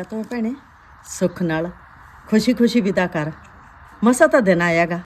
ਤੂੰ ਭੈਣੇ ਸੁੱਖ ਨਾਲ ਖੁਸ਼ੀ ਖੁਸ਼ੀ ਵਿਦਾ ਕਰ। ਮਸਾ ਤਾਂ ਦਿਨ ਆਏਗਾ।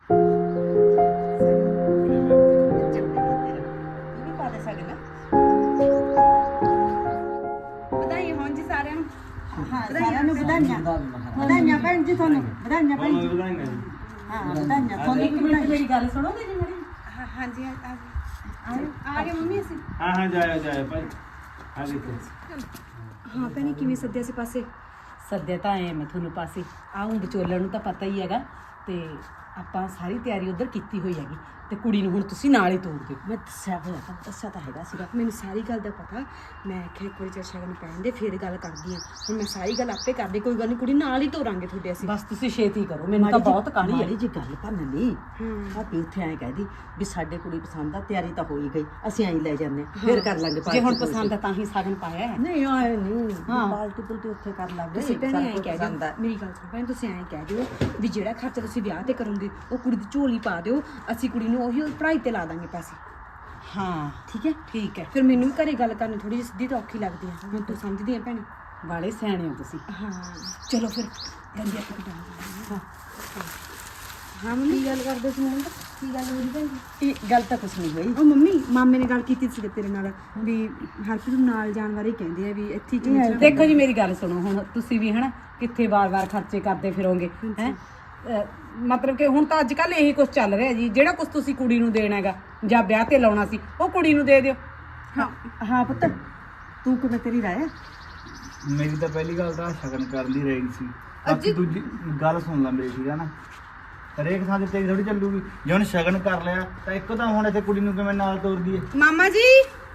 ਵਧਾਈ ਹੋਣ ਜੀ ਸਾਰਿਆਂ ਨੂੰ। ਸਾਰਿਆਂ ਨੂੰ ਵਧਾਈਆਂ ਵਧਾਈਆਂ ਭੈਣ ਜੀ ਤੁਹਾਨੂੰ ਵਧਾਈਆਂ ਭੈਣ ਜੀ। ਹਾਂ ਵਧਾਈਆਂ ਤੁਹਾਨੂੰ ਵੀ ਵਧਾਈਆਂ। ਮੇਰੀ ਗੱਲ ਸੁਣੋਗੇ ਜੀ ਮੇਰੀ? ਹਾਂਜੀ ਆ ਗਏ ਮੰਮੀ ਅਸੀਂ। ਹਾਂ ਜਾਇਆ ਭਾਈ ਆ ਦੇਖੋ। ਹਾਂ ਭੈਣੇ ਕਿਵੇਂ ਸੱਦਿਆ ਸੀ ਪਾਸੇ? ਸੱਦਿਆ ਤਾਂ ਐ ਮੈਂ ਤੁਹਾਨੂੰ ਪਾਸੇ ਆਉਂ ਵਿਚੋਲਣ ਨੂੰ ਤਾਂ ਪਤਾ ਹੀ ਹੈਗਾ ਤੇ ਆਪਾਂ ਸਾਰੀ ਤਿਆਰੀ ਉਧਰ ਕੀਤੀ ਹੋਈ ਹੈਗੀ ਤੇ ਕੁੜੀ ਨੂੰ ਹੁਣ ਤੁਸੀਂ ਨਾਲ ਹੀ ਤੋੜ ਦਿਓ। ਮੈਂ ਦੱਸਿਆ ਹੋਇਆ ਤਾਂ ਦੱਸਿਆ ਤਾਂ ਹੈਗਾ ਸੀਗਾ। ਮੈਨੂੰ ਸਾਰੀ ਗੱਲ ਦਾ ਪਤਾ। ਮੈਂ ਆਖਿਆ ਇੱਕ ਵਾਰੀ ਚਰਚਾ ਕਰਨ ਪੈਂਦੇ ਫਿਰ ਗੱਲ ਕਰਦੀ ਆ। ਹੁਣ ਮੈਂ ਸਾਰੀ ਗੱਲ ਆਪੇ ਕਰਦੀ, ਕੋਈ ਗੱਲ ਨਹੀਂ, ਕੁੜੀ ਨਾਲ ਹੀ ਤੋਰਾਂਗੇ ਤੁਹਾਡੇ ਅਸੀਂ। ਬਸ ਤੁਸੀਂ ਛੇਤੀ ਕਰੋ, ਮੈਨੂੰ ਤਾਂ ਬਹੁਤ ਕਾਹਲੀ ਹੈ। ਮਾੜੀ ਜੀ ਗੱਲ ਭੰਨ ਲਈ ਭਾਬੀ ਉੱਥੇ ਐਂ ਕਹਿਦੀ ਵੀ ਸਾਡੇ ਕੁੜੀ ਪਸੰਦ ਆ, ਤਿਆਰੀ ਤਾਂ ਹੋ ਹੀ ਗਈ, ਅਸੀਂ ਐਂ ਲੈ ਜਾਂਦੇ ਫਿਰ ਕਰ ਲਾਂਗੇ। ਜੇ ਹੁਣ ਪਸੰਦ ਆ ਤਾਂ ਹੀ ਸਾਗਨ ਪਾਇਆ ਹੈ। ਨਹੀਂ ਆਏ ਨਹੀਂ ਪਾਲਟੀ ਪੁਲਟੀ ਉੱਥੇ ਕਰ ਲਾਂਗੇ। ਤੁਸੀਂ ਭੈਣੇ ਐਂ ਕਹਿ ਦਿਓ, ਮੇਰੀ ਗੱਲ ਸੁਣੋ ਭੈਣ, ਤੁਸੀਂ ਐਂ ਕਹਿ ਦਿਓ ਵੀ ਜਿਹੜਾ ਖਰਚਾ ਤੁਸੀਂ ਵਿਆਹ ਤੇ ਕਰੋਗੇ ਉਹ ਕੁੜੀ ਦੀ ਝੋਲੀ ਪਾ ਦਿਓ, ਅਸੀਂ ਕੁੜੀ ਨੂੰ ਉਹੀ ਪੜ੍ਹਾਈ ਤੇ ਲਾ ਦਾਂਗੇ ਪੈਸੇ। ਹਾਂ ਠੀਕ ਹੈ ਠੀਕ ਹੈ। ਫਿਰ ਮੈਨੂੰ ਵੀ ਘਰੇ ਗੱਲ ਕਰਨੀ ਥੋੜੀ ਜਿਹੀ ਸਿੱਧੀ ਤਾਂ ਔਖੀ ਲੱਗਦੀ ਹੈ। ਹੁਣ ਤੂੰ ਸਮਝਦੀ ਆ ਭੈਣੇ। ਵਾਲੇ ਸਿਆਣੇ ਹੋ ਤੁਸੀਂ। ਹਾਂ ਚਲੋ ਫਿਰ ਗੰਦੀ ਆਪਾਂ ਕਿਦਾਂ। ਹਾਂ ਹਾਂ ਮੰਮੀ ਗੱਲ ਕਰਦੇ ਸੀ ਮੈਨੂੰ। ਕੀ ਗੱਲ ਹੋ ਰਹੀ ਭੈਣ ਜੀ? ਇਹ ਗੱਲ ਤਾਂ ਕੁਛ ਨਹੀਂ ਹੋਈ। ਉਹ ਮੰਮੀ ਮਾਮੇ ਨੇ ਗੱਲ ਕੀਤੀ ਸੀ ਤੇਰੇ ਨਾਲ ਵੀ ਹਰਪ੍ਰੀਤ ਨੂੰ ਨਾਲ ਜਾਣ ਬਾਰੇ ਕਹਿੰਦੇ ਆ ਵੀ ਇੱਥੇ ਕਿਵੇਂ। ਦੇਖੋ ਜੀ ਮੇਰੀ ਗੱਲ ਸੁਣੋ, ਹੁਣ ਤੁਸੀਂ ਵੀ ਹਨਾ ਕਿੱਥੇ ਵਾਰ-ਵਾਰ ਖਰਚੇ ਕਰਦੇ ਫਿਰੋਗੇ ਹੈ। ਮਤਲਬ ਕਿ ਹੁਣ ਤਾਂ ਅੱਜ ਕੱਲ ਇਹੀ ਕੁਝ ਚੱਲ ਰਿਹਾ ਜੀ, ਜਿਹੜਾ ਕੁਝ ਤੁਸੀਂ ਕੁੜੀ ਨੂੰ ਦੇਣਾ ਹੈਗਾ ਜਾਂ ਵਿਆਹ ਤੇ ਲਾਉਣਾ ਸੀ ਉਹ ਕੁੜੀ ਨੂੰ ਦੇ ਦਿਓ। ਹਾਂ ਪੁੱਤ ਤੂੰ ਕਿਵੇਂ, ਤੇਰੀ ਰਾਏ ਆ? ਮੇਰੀ ਤਾਂ ਪਹਿਲੀ ਗੱਲ ਤਾਂ ਸ਼ਗਨ ਕਰਨ ਦੀ ਰਹੀ ਸੀ। ਬਾਕੀ ਦੂਜੀ ਗੱਲ ਸੁਣ ਲੈ ਮੇਰੀ, ਠੀਕ ਆ ਨਾ। ਹਰੇਕ ਥਾਂ ਤੇ ਤੇਰੀ ਥੋੜੀ ਚੱਲੂਗੀ। ਜੇ ਹੁਣ ਸ਼ਗਨ ਕਰ ਲਿਆ ਤਾਂ ਇੱਕੋ ਤਾਂ ਹੁਣ ਇੱਥੇ ਕੁੜੀ ਨੂੰ ਕਿਵੇਂ ਨਾਲ ਤੋਰ ਦਈਏ? ਮਾਮਾ ਜੀ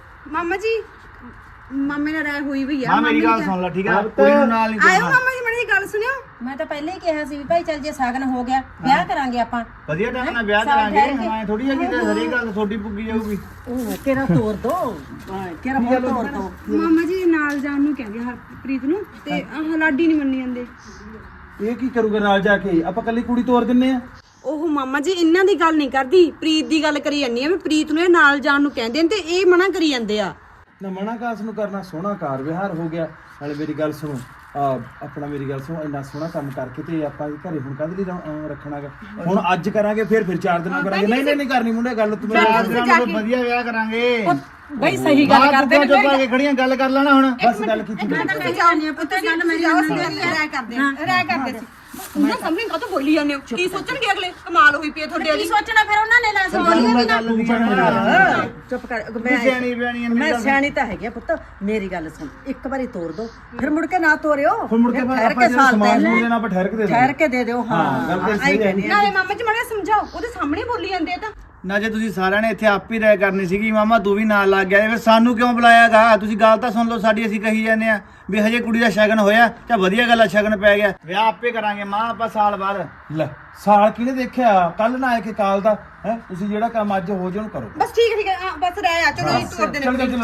ਮਾਮੇ ਨਾਲ ਰਾਏ ਹੋਈ ਵੀ ਆ। ਹਾਂ ਮੇਰੀ ਗੱਲ ਸੁਣ ਲੈ, ਠੀਕ ਆ। ਕੁੜੀ ਨੂੰ ਨਾਲ ਨਹੀਂ ਆਇਓ ਤੋਰਨਾ। ਮਾਮਾ ਜੀ ਮੇਰੀ ਗੱਲ ਸੁਣਿਓ। ਮੈਂ ਤਾਂ ਪਹਿਲਾਂ ਹੀ ਕਿਹਾ ਸੀ ਵੀ ਭਾਈ ਚੱਲ ਜੇ ਸਾਗਨ ਹੋ ਗਿਆ ਵਿਆਹ ਕਰਾਂਗੇ ਆਪਾਂ। ਵਧੀਆ ਢੰਗ ਨਾਲ ਵਿਆਹ ਕਰਾਂਗੇ। ਹਾਂ ਥੋੜੀ ਜਿਹੀ ਤੇ ਹਰੇਕ ਗੱਲ ਤੁਹਾਡੀ ਪੁੱਗੀ ਜਾਊਗੀ। ਉਹ ਕਿਹੜਾ ਤੋਰ ਦੋ, ਕਿਹੜਾ ਹੋਰ ਤੋਰ ਦੋ। ਮਾਮਾ ਜੀ ਨਾਲ ਜਾਣ ਨੂੰ ਕਹਿੰਦੇ ਹਰਪ੍ਰੀਤ ਨੂੰ ਤੇ ਆਹ ਲਾਡੀ ਨਹੀਂ ਮੰਨੀ ਜਾਂਦੇ। ਇਹ ਕੀ ਕਰੂਗਾ ਨਾਲ ਜਾ ਕੇ? ਆਪਾਂ ਕੱਲੀ ਕੁੜੀ ਤੋਰ ਦਿੰਨੇ ਆ। ਉਹ ਮਾਮਾ ਜੀ ਇਹਨਾਂ ਦੀ ਗੱਲ ਨਹੀਂ ਕਰਦੀ, ਪ੍ਰੀਤ ਦੀ ਗੱਲ ਕਰੀ ਜਾਂਦੀ ਆ ਵੀ ਪ੍ਰੀਤ ਨੂੰ ਇਹ ਨਾਲ ਜਾਣ ਨੂੰ ਕਹਿੰਦੇ ਨੇ ਤੇ ਇਹ ਮਨਾ ਕਰੀ ਜਾਂਦੇ ਆ। ਨਾ ਮਨਾ ਕਾਸ ਨੂੰ ਕਰਨਾ, ਸੋਹਣਾ ਕਾਰ ਵਿਹਾਰ ਹੋ ਗਿਆ। ਨਾਲੇ ਮੇਰੀ ਗੱਲ ਸੁਣੋ, ਆਪਣਾ ਮੇਰੀ ਗੱਲ ਸੁਣੋ, ਇੰਨਾ ਸੋਹਣਾ ਕੰਮ ਕਰਕੇ ਤੇ ਆਪਾਂ ਘਰੇ ਹੁਣ ਕਾਹਦੇ ਲਈ ਰੱਖਣਾਗਾ? ਹੁਣ ਅੱਜ ਕਰਾਂਗੇ ਫਿਰ 4 ਦਿਨਾਂ ਕਰਾਂਗੇ। ਨਹੀਂ ਕਰਨੀ ਮੁੰਡੇ ਗੱਲ। ਤੂੰ ਵਧੀਆ ਵਿਆਹ ਕਰਾਂਗੇ। ਬਈ ਸਹੀ ਗੱਲ ਕਰਦੇ ਨੇ। ਚੁੱਪ ਆ ਕੇ ਖੜੀਆਂ ਗੱਲ ਕਰ ਲੈਣਾ ਹੁਣ। ਬਸ ਗੱਲ ਕੀਤੀ। ਤੁਸੀਂ ਜਾਣਦੇ ਪੁੱਤ ਗੱਲ ਮੇਰੀ ਰਾਏ ਕਰਦੇ ਸੀ। ਉਹਨਾਂ ਸਾਹਮਣੇ ਕਾਹਤੋਂ ਬੋਲੀ ਜਾਂਦੇ ਹੋ? ਕੀ ਸੋਚਣਗੇ ਅਗਲੇ? ਕਮਾਲ ਹੋਈ ਪਈ ਤੁਹਾਡੇ ਵਾਲੀ। ਸੋਚਣਾ ਫਿਰ ਉਹਨਾਂ ਨੇ ਨਾ ਸੋਚਣਾ। ਚੁੱਪ ਕਰ। ਸਿਆਣੀ ਬਿਆਣੀ ਮੈਂ ਸਿਆਣੀ ਤਾਂ ਹੈਗੀ ਆ ਪੁੱਤ, ਮੇਰੀ ਗੱਲ ਸੁਣ। ਇੱਕ ਵਾਰੀ ਤੋਰ ਦੋ ਫਿਰ ਮੁੜ ਕੇ ਨਾ ਤੋਰਿਓ। ਹੁਣ ਮੁੜ ਕੇ ਆਪਾਂ ਜਿਹੜਾ ਸਮਾਨ ਸਮੂਨ ਦੇਣਾ ਆਪਾਂ ਠਹਿਰ ਕੇ ਦੇ ਦਿਓ। ਹਾਂ ਗੱਲ ਤਾਂ ਸਹੀ ਹੈ। ਨਾਲੇ ਮਾਮਾ ਜੀ ਮਾੜਾ ਸਮਝਾਓ, ਉਹਦੇ ਸਾਹਮਣੇ ਬੋਲੀ ਜਾਂਦੇ ਆ ਤਾਂ। ਨਾ ਜੇ ਤੁਸੀਂ ਸਾਰਿਆਂ ਨੇ ਇੱਥੇ ਆਪ ਹੀ ਰਾਇ ਕਰਨੀ ਸੀਗੀ, ਮਾਮਾ ਤੂੰ ਵੀ ਨਾਲ ਲੱਗ ਗਿਆ, ਫਿਰ ਸਾਨੂੰ ਕਿਉਂ ਬੁਲਾਇਆਗਾ? ਤੁਸੀਂ ਗੱਲ ਤਾਂ ਸੁਣ ਲਓ ਸਾਡੀ। ਅਸੀਂ ਕਹੀ ਜਾਂਦੇ ਆ ਵੀ ਹਜੇ ਕੁੜੀ ਦਾ ਸ਼ਗਨ ਹੋਇਆ ਤਾਂ ਵਧੀਆ ਗੱਲ ਆ, ਸ਼ਗਨ ਪੈ ਗਿਆ, ਵਿਆਹ ਆਪੇ ਕਰਾਂਗੇ ਮਾਂ ਆਪਾਂ ਸਾਲ ਬਾਅਦ। ਲੈ ਸਾਲ ਕਿਹਨੇ ਦੇਖਿਆ? ਕੱਲ ਨਾ ਆਏ ਕਿ ਕਾਲ ਦਾ ਹੈ। ਤੁਸੀਂ ਜਿਹੜਾ ਕੰਮ ਅੱਜ ਹੋ ਜਾਣ ਕਰੋ। ਬਸ ਠੀਕ ਹੈ ਬਸ ਰਹਿ ਆ। ਚਲੋ ਜੀ ਤੋਰ ਦੇਣੇ। ਚਲ ਹੋ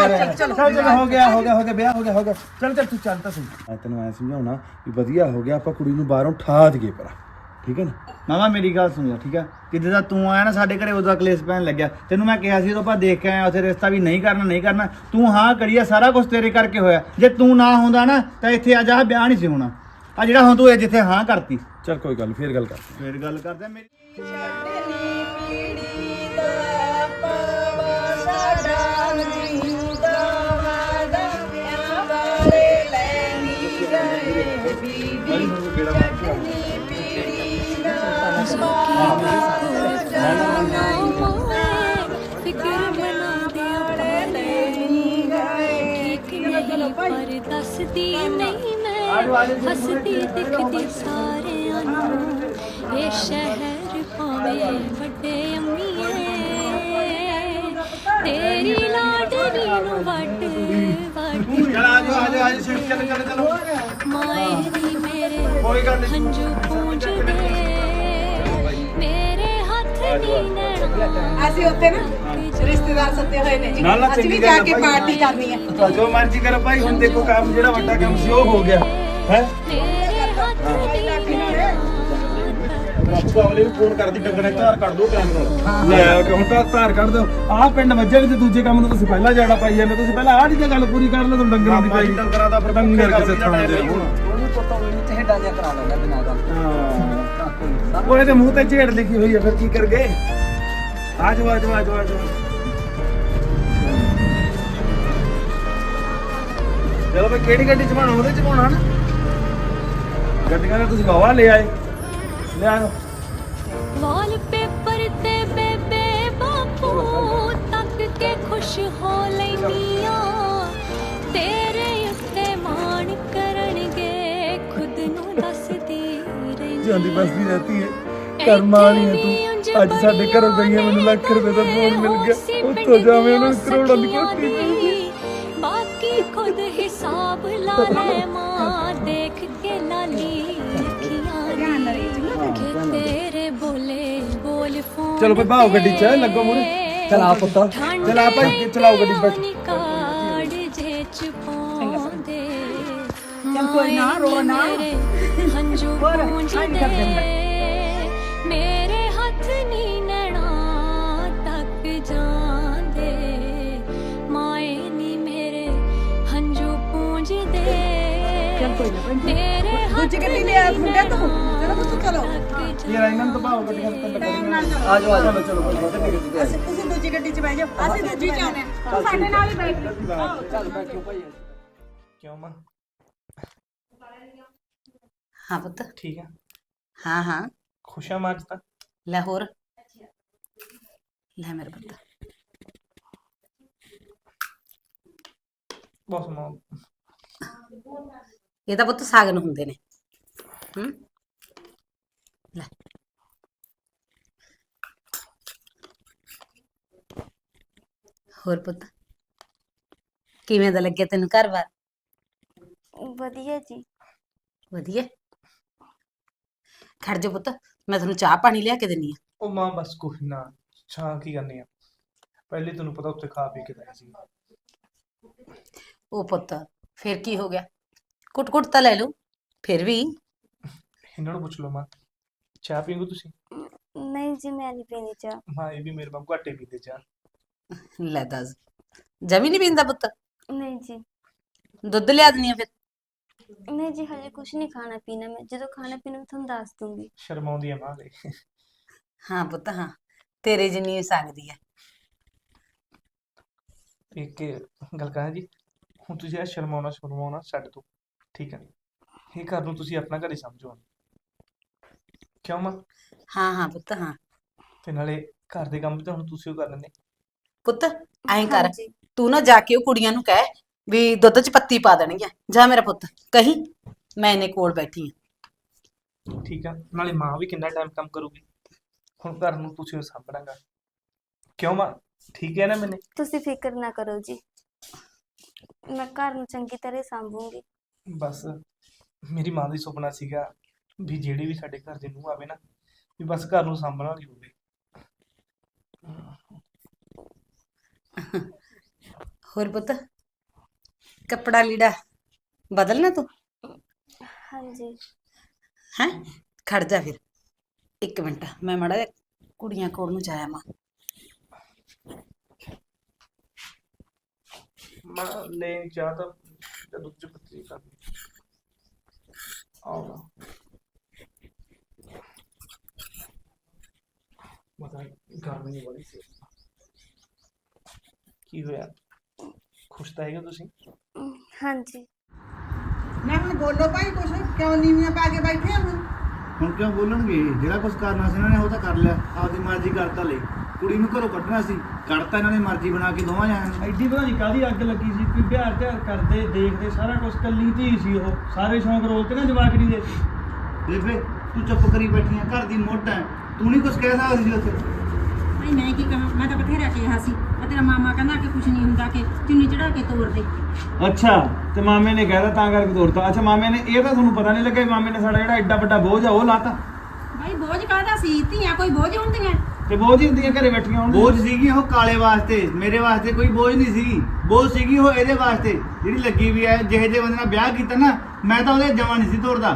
ਗਿਆ ਵਿਆਹ ਹੋ ਗਿਆ। ਚੱਲ ਤੂੰ ਚੱਲ ਤਾਂ ਸਹੀ। ਮੈਂ ਤੈਨੂੰ ਐ ਸਮਝਾਉਣਾ ਵੀ ਵਧੀਆ ਹੋ ਗਿਆ, ਆਪਾਂ ਕੁੜੀ ਨੂੰ ਬਾਹਰੋਂ ਠਾ ਦਈਏ ਪਰਾ, ਠੀਕ ਹੈ ਨਾ? ਮਾਮਾ ਮੇਰੀ ਗੱਲ ਸੁਣ ਲੈ, ਠੀਕ ਆ। ਕਿਤੇ ਦਾ ਤੂੰ ਆਇਆ ਨਾ ਸਾਡੇ ਘਰੇ, ਉਹਦਾ ਕਲੇਸ਼ ਪੈਣ ਲੱਗਿਆ। ਤੈਨੂੰ ਮੈਂ ਕਿਹਾ ਸੀ ਉਦੋਂ ਆਪਾਂ ਦੇਖ ਕੇ ਆਏ ਉੱਥੇ ਰਿਸ਼ਤਾ ਵੀ ਨਹੀਂ ਕਰਨਾ। ਤੂੰ ਹਾਂ ਕਰੀਆ, ਸਾਰਾ ਕੁਝ ਤੇਰੇ ਕਰਕੇ ਹੋਇਆ। ਜੇ ਤੂੰ ਨਾ ਹੁੰਦਾ ਨਾ ਤਾਂ ਇੱਥੇ ਅੱਜ ਆਹ ਵਿਆਹ ਨਹੀਂ ਸੀ ਹੋਣਾ। ਆ ਜਿਹੜਾ ਹੁਣ ਤੂੰ ਇਹ ਜਿੱਥੇ ਹਾਂ ਕਰਤੀ। ਚੱਲ ਕੋਈ ਗੱਲ, ਫੇਰ ਗੱਲ ਕਰਦੇ ਮੇਰੀ। ਪਰ ਦੱਸਦੀ ਨਹੀਂ ਮੈਂ, ਹੱਸਦੀ ਦਿਖਦੀ ਸਾਰਿਆਂ ਨੂੰ। ਇਹ ਸ਼ਹਿਰ ਭਾਵੇਂ ਵੱਡੇ ਅੰਮੀਏ, ਤੇਰੀ ਲਾਡਲੀ ਨੂੰ ਵੱਡ ਮਾਏ ਨੀ ਮੇਰੇ ਹੰਝੂ ਪੂੰਝਦੇ, ਮੇਰੇ ਹੱਥ ਨੀ ਨੈਣਾ। ਅਸੀਂ ਉੱਥੇ ਨਾ ਰਿਸ਼ਤੇਦਾਰ ਸੱਦੇ ਹੋਏ ਨੇ ਜੀ, ਅਸੀਂ ਵੀ ਜਾ ਕੇ ਪਾਰਟੀ ਕਰਨੀ ਹੈ। ਜੋ ਮਰਜ਼ੀ ਕਰੋ ਭਾਈ। ਹੁਣ ਦੇਖੋ ਕੰਮ ਜਿਹੜਾ ਵੱਡਾ ਕੰਮ ਸੀ ਉਹ ਹੋ ਗਿਆ ਹੈ। ਵਾਲੇ ਵੀ ਫੋਨ ਕਰਦੀ ਡੰਗਰੇ ਧਾਰ ਕੱਢ ਦੋ ਟਾਈਮ ਨਾਲ। ਲੈ ਹੁਣ ਤਾਂ ਧਾਰ ਕੱਢ ਦੋ। ਆਹ ਪਿੰਡ ਵੱਜੇ ਵੀ ਤੇ ਦੂਜੇ ਕੰਮ ਨੂੰ ਤੁਸੀਂ ਪਹਿਲਾਂ ਜਾਣਾ ਪਾਈ ਜਾਂਦੇ। ਤੁਸੀਂ ਪਹਿਲਾਂ ਆਹ ਦੀ ਗੱਲ ਪੂਰੀ ਕਰ ਲਓ। ਤੁਹਾਨੂੰ ਡੰਗਰਾਂ ਦੀ ਪਾਈ ਡੰਗਰਾਂ ਦਾ ਡੰਗਰ ਕਿਸੇ ਥਾਂ ਦੇ ਤੋਂ ਵੀ ਚਿਹੜਾ ਜਿਹਾ ਕਰਾ ਲੈਣਾ ਬਿਨਾਂ ਗੱਲ ਹਾਂ ਉਹ ਇਹਦੇ ਮੂੰਹ ਤੇ ਝੇੜ ਲਿਖੀ ਹੋਈ ਹੈ ਫਿਰ ਕੀ ਕਰ ਗਏ ਆ ਜਾਓ ਆ ਜਾਓ ਆ ਜਾਓ ਆ ਜਾਓ ਚਲੋ ਬਈ ਕਿਹੜੀ ਗੱਡੀ ਚ ਪਾਉਣਾ ਉਹਦੇ ਚ ਪਾਉਣਾ ਨਾ ਗੱਡੀਆਂ ਤਾਂ ਤੁਸੀਂ ਵਾਵਾ ਲੈ ਆਏ ਲੈ ਆਓ ਵਾਲਪੇਪਰ ਤੇ ਬੇਬੇ ਬਾਪੂ ਤੱਕ ਕੇ ਖੁਸ਼ ਹੋ ਲੈਨੀਆਂ ਤੇਰੇ ਉੱਤੇ ਮਾਣ ਕਰਨਗੇ ਖੁਦ ਨੂੰ ਦੱਸਦੀ ਰਹਿੰਦੀ ਜਾਂਦੀ ਬਸਦੀ ਰਹਤੀ ਹੈ ਕਰਮ ਵਾਲੀ ਹੈ ਤੂੰ ਅੱਜ ਸਾਡੇ ਘਰੋਂ ਗਈ ਹੈ ਮੈਨੂੰ ਲੱਖ ਰੁਪਏ ਦਾ ਫੋਨ ਮਿਲ ਗਿਆ ਉੱਥੋਂ ਜਾਵੇਂ ਉਹਨਾਂ ਨੂੰ ਕਰੋੜਾਂ ਦੀ ਕੋਠੀ ਬਾਕੀ ਖੁਦ ਹਿਸਾਬ ਲਾ ਲੈ ਮਾਂ ਦੇਖ ਕੇ ਲਾਲੀ ਅੱਖੀਆਂ ਕਿ ਤੇਰੇ ਬੋਲੇ ਬੋਲ ਫੋਨ ਚਲੋ ਭਾਈ ਭਾਓ ਗੱਡੀ ਚ ਲੱਗੋ ਮੂਰੇ ਚਲਾ ਪੁੱਤ ਚਲਾ ਭਾਈ ਚਲਾਓ ਗੱਡੀ ਬੈਠ ਕਾੜ ਜੇ ਚ ਪਾਉਂਦੇ ਚੱਲ ਕੋਈ ਨਾ ਰੋ ਨਾ ਹੰਝੂ ਪੂੰਝਦੇ ਮੇਰੇ ਹੱਥ ਨੀ ਨੈਣਾ ਤੱਕ ਜਾਂਦੇ ਮਾਏ ਨੀ ਮੇਰੇ ਹੰਝੂ ਪੂੰਝਦੇ ਚੱਲ ਕੋਈ ਨਾ ਭੈਣ ਮੇਰੇ ਦੂਜੀ ਗੱਡੀ ਲੈ ਆ ਮੁੰਡੇ ਤੂੰ ਚਲੋ ਪੁੱਤ ਚਲੋ ਇਹ ਇਹਨਾਂ ਨੂੰ ਤਾਂ ਭਾਓ ਗੱਡੀਆਂ ਤੇ ਲੱਗਣੀਆਂ ਆ ਜਾਓ ਆ ਜਾਓ ਚਲੋ ਭਾਈ ਗੱਡੀ ਚ ਅਸੀਂ ਤੁਸੀਂ ਦੂਜੀ ਗੱਡੀ 'ਚ ਬਹਿ ਜਾਓ ਅਸੀਂ ਦੂਜੀ 'ਚ ਆਉਣੇ ਤੂੰ ਸਾਡੇ ਨਾਲ ਹੀ ਬੈਠ ਚੱਲ ਬੈਠੋ ਭਾਈ ਕਿਉਂ ਮਾਂ हाँ पुत ਠੀਕ ਆ हाँ हाँ ਖੁਸ਼ ਆ ਮਾਂ ਅੱਜ ਤਾਂ लाहौर ले मेरे पुत ਬਸ ਮਾਂ ये तो पुत सागन हुंदे ने ले होर पुत किवें दा लग्या तैनूं घर बार ਵਧੀਆ ਜੀ वधिया खड़ जा पुत मैं तैनूं चाह पानी लिया के दिन्नी आ ਉਹ ਮਾਂ ਬਸ ਕੁਛ ਨਾ ਚਾਹ ਕੀ ਕਰਨੀ ਆ ਪਹਿਲੇ ਤੈਨੂੰ ਪਤਾ ਉੱਥੇ ਖਾ ਪੀ ਕੇ ਆਇਆ ਸੀ ओ पुत फिर की हो गया कुट कुट ता ले लो फिर भी ਇਹਨਾਂ ਨੂੰ ਪੁੱਛ ਲਓ ਮਾਂ ਚਾਹ ਪੀਂਗੇ ਤੁਸੀਂ ਨਹੀਂ ਜੀ ਮੈਂ ਨਹੀਂ ਪੀਣੀ ਚਾਹ ਮਾਂ ਇਹ ਵੀ ਮੇਰੇ ਵਾਂਗੂ ਘੱਟੇ ਪੀਂਦੇ ਚਾਹ ले दस जमी नहीं पींदा पुत ਨਹੀਂ ਜੀ दुध लिया दिन्नी आ फिर ਨਹੀਂ ਜੀ ਹਲੇ ਕੁਝ ਨਹੀਂ ਖਾਣਾ ਪੀਣਾ ਮੈਂ ਜਦੋਂ ਖਾਣਾ ਪੀਣਾ ਮੈਂ ਤੁਹਾਨੂੰ ਦੱਸ ਦੂੰਗੀ ਸ਼ਰਮਾਉਂਦੀ ਆ ਮਾਂ ਦੇ हाँ पुत हाँ तेरे जिन्नी सकदी है ਇੱਕ ਗੱਲ ਕਹਾਂ ਜੀ ਹੁਣ ਤੁਸੀਂ ਇਹ ਸ਼ਰਮਾਉਣਾ ਛੱਡ ਦਿਓ ਠੀਕ ਹੈ ਇਹ ਘਰ ਨੂੰ ਤੁਸੀਂ ਆਪਣਾ ਘਰ ਹੀ ਸਮਝੋ ਕਿਉਂ ਮਾਂ हाँ हाँ पुत हाँ ਤੇ ਨਾਲੇ ਘਰ ਦੇ ਕੰਮ ਵੀ ਤਾਂ ਹੁਣ ਤੁਸੀਂ ਉਹ ਕਰਨੇ ਨੇ पुत ऐं कर ਹਾਂਜੀ तू ना जाके ਉਹ ਕੁੜੀਆਂ ਨੂੰ ਕਹਿ ਵੀ ਦੁੱਧ 'ਚ ਪੱਤੀ ਪਾ ਦੇਣਗੀਆਂ ਜਾ ਮੇਰਾ ਪੁੱਤ ਕਹੀਂ ਮੈਂ ਇਹਨੇ ਕੋਲ ਬੈਠੀ ਆ ਠੀਕ ਆ ਨਾਲੇ ਮਾਂ ਵੀ ਕਿੰਨਾ ਟਾਈਮ ਕੰਮ ਕਰੂਗੀ ਹੁਣ ਘਰ ਨੂੰ ਤੁਸੀਂ ਸਾਂਭਣਾਗਾ ਕਿਉਂ ਮਾਂ ਠੀਕ ਹੈ ਨਾ ਮੈਨੇ ਤੁਸੀਂ ਫਿਕਰ ਨਾ ਕਰੋ ਜੀ ਮੈਂ ਘਰ ਨੂੰ ਚੰਗੀ ਤਰ੍ਹਾਂ ਸੰਭੂੰਗੀ ਬਸ ਮੇਰੀ ਮਾਂ ਦੀ ਸੁਪਨਾ ਸੀਗਾ ਵੀ ਜਿਹੜੀ ਵੀ ਸਾਡੇ ਘਰ ਦੇ ਨੂੰਹ ਆਵੇ ਨਾ ਵੀ ਬਸ ਘਰ ਨੂੰ ਸਾਂਭਣ ਵਾਲੀ ਹੋਵੇ ਹੋਰ ਪੁੱਤ ਕੱਪੜਾ ਲੀੜਾ ਬਦਲਣਾ ਤੂੰ ਹਾਂਜੀ ਹੈ ਖੜ ਜਾ ਫਿਰ 1 ਮਿੰਟ ਮੈਂ ਮਾੜਾ ਜਿਹਾ ਕੁੜੀਆਂ ਕੋਲ ਨੂੰ ਜਾਇਆ ਮਾਂ ਮਾਂ ਲੈ ਚਾਹ ਤਾਂ ਦੁੱਧ ਚ ਪੱਤੀ ਕਰ ਆਉਣਾ ਮਤਲਬ ਗਰਮੀ ਨਹੀਂ ਬੜੀ ਸੀ ਕੀ ਹੋਇਆ ਖੁਸ਼ ਤਾਂ ਹੈਗੇ ਤੁਸੀਂ ਹਾਂਜੀ ਨਾ ਹੁਣ ਬੋਲੋ ਭਾਈ ਕੁਛ ਕਿਉਂ ਨੀਵੀਆਂ ਪਾ ਕੇ ਬੈਠੇ ਹੋ ਹੁਣ ਕਿਉਂ ਬੋਲਣਗੇ ਜਿਹੜਾ ਕੁਝ ਕਰਨਾ ਸੀ ਇਹਨਾਂ ਨੇ ਉਹ ਤਾਂ ਕਰ ਲਿਆ ਆਪਦੀ ਮਰਜ਼ੀ ਕਰਤਾ ਲਈ ਕੁੜੀ ਨੂੰ ਘਰੋਂ ਕੱਢਣਾ ਸੀ ਕੱਢਤਾ ਇਹਨਾਂ ਨੇ ਮਰਜ਼ੀ ਬਣਾ ਕੇ ਦੋਵਾਂ ਜਾਣਿਆਂ ਨੂੰ ਐਡੀ ਪਤਾ ਨਹੀਂ ਕਾਹਦੀ ਅੱਗ ਲੱਗੀ ਸੀ ਕੋਈ ਵਿਆਹ ਤਿਆਰ ਕਰਦੇ ਦੇਖਦੇ ਸਾਰਾ ਕੁਝ ਕੱਲੀ ਧੀ ਸੀ ਉਹ ਸਾਰੇ ਸ਼ੌਂਕ ਰੋਲਤੇ ਨਾ ਜਵਾਕੜੀ ਦੇ ਬੇਬੇ ਤੂੰ ਚੁੱਪ ਕਰੀ ਬੈਠੀ ਆ ਘਰ ਦੀ ਮੋਢ ਹੈ ਤੂੰ ਨਹੀਂ ਕੁਝ ਕਹਿ ਸਕਦੀ ਸੀ ਉੱਥੇ ਭਾਈ ਮੈਂ ਕੀ ਕਹਾਂ ਮੈਂ ਤਾਂ ਬਥੇਰਾ ਕਿਹਾ ਸੀ ਮੈਂ ਤੇਰਾ ਮਾਮਾ ਕਹਿੰਦਾ ਕਿ ਕੁਝ ਨਹੀਂ ਹੁੰਦਾ ਕਿ ਚੁੰਨੀ ਚੜਾ ਕੇ ਤੋੜ ਦੇ ਅੱਛਾ ਤੇ ਮਾਮੇ ਨੇ ਕਹਿਦਾ ਤਾਂ ਕਰਕੇ ਤੋੜਤਾ ਅੱਛਾ ਮਾਮੇ ਨੇ ਇਹ ਤਾਂ ਤੁਹਾਨੂੰ ਪਤਾ ਨਹੀਂ ਲੱਗਾ ਮਾਮੇ ਨੇ ਸਾਡਾ ਜਿਹੜਾ ਐਡਾ ਵੱਡਾ ਬੋਝ ਆ ਉਹ ਲਾਤਾ ਭਾਈ ਬੋਝ ਕਾਹਦਾ ਸੀ ਧੀਆਂ ਕੋਈ ਬੋਝ ਹੁੰਦੀਆਂ ਤੇ ਬੋਝ ਹੀ ਹੁੰਦੀਆਂ ਘਰੇ ਬੈਠੀਆਂ ਹੁਣ ਬੋਝ ਸੀਗੀ ਉਹ ਕਾਲੇ ਵਾਸਤੇ ਮੇਰੇ ਵਾਸਤੇ ਕੋਈ ਬੋਝ ਨਹੀਂ ਸੀ ਬੋਝ ਸੀਗੀ ਉਹ ਇਹਦੇ ਵਾਸਤੇ ਜਿਹੜੀ ਲੱਗੀ ਵੀ ਹੈ ਜਿਹੇ ਜਿਹੇ ਬੰਦੇ ਨਾਲ ਵਿਆਹ ਕੀਤਾ ਨਾ ਮੈਂ ਤਾਂ ਉਹਦੇ ਜਮਾਂ ਨਹੀਂ ਸੀ ਤੋੜਦਾ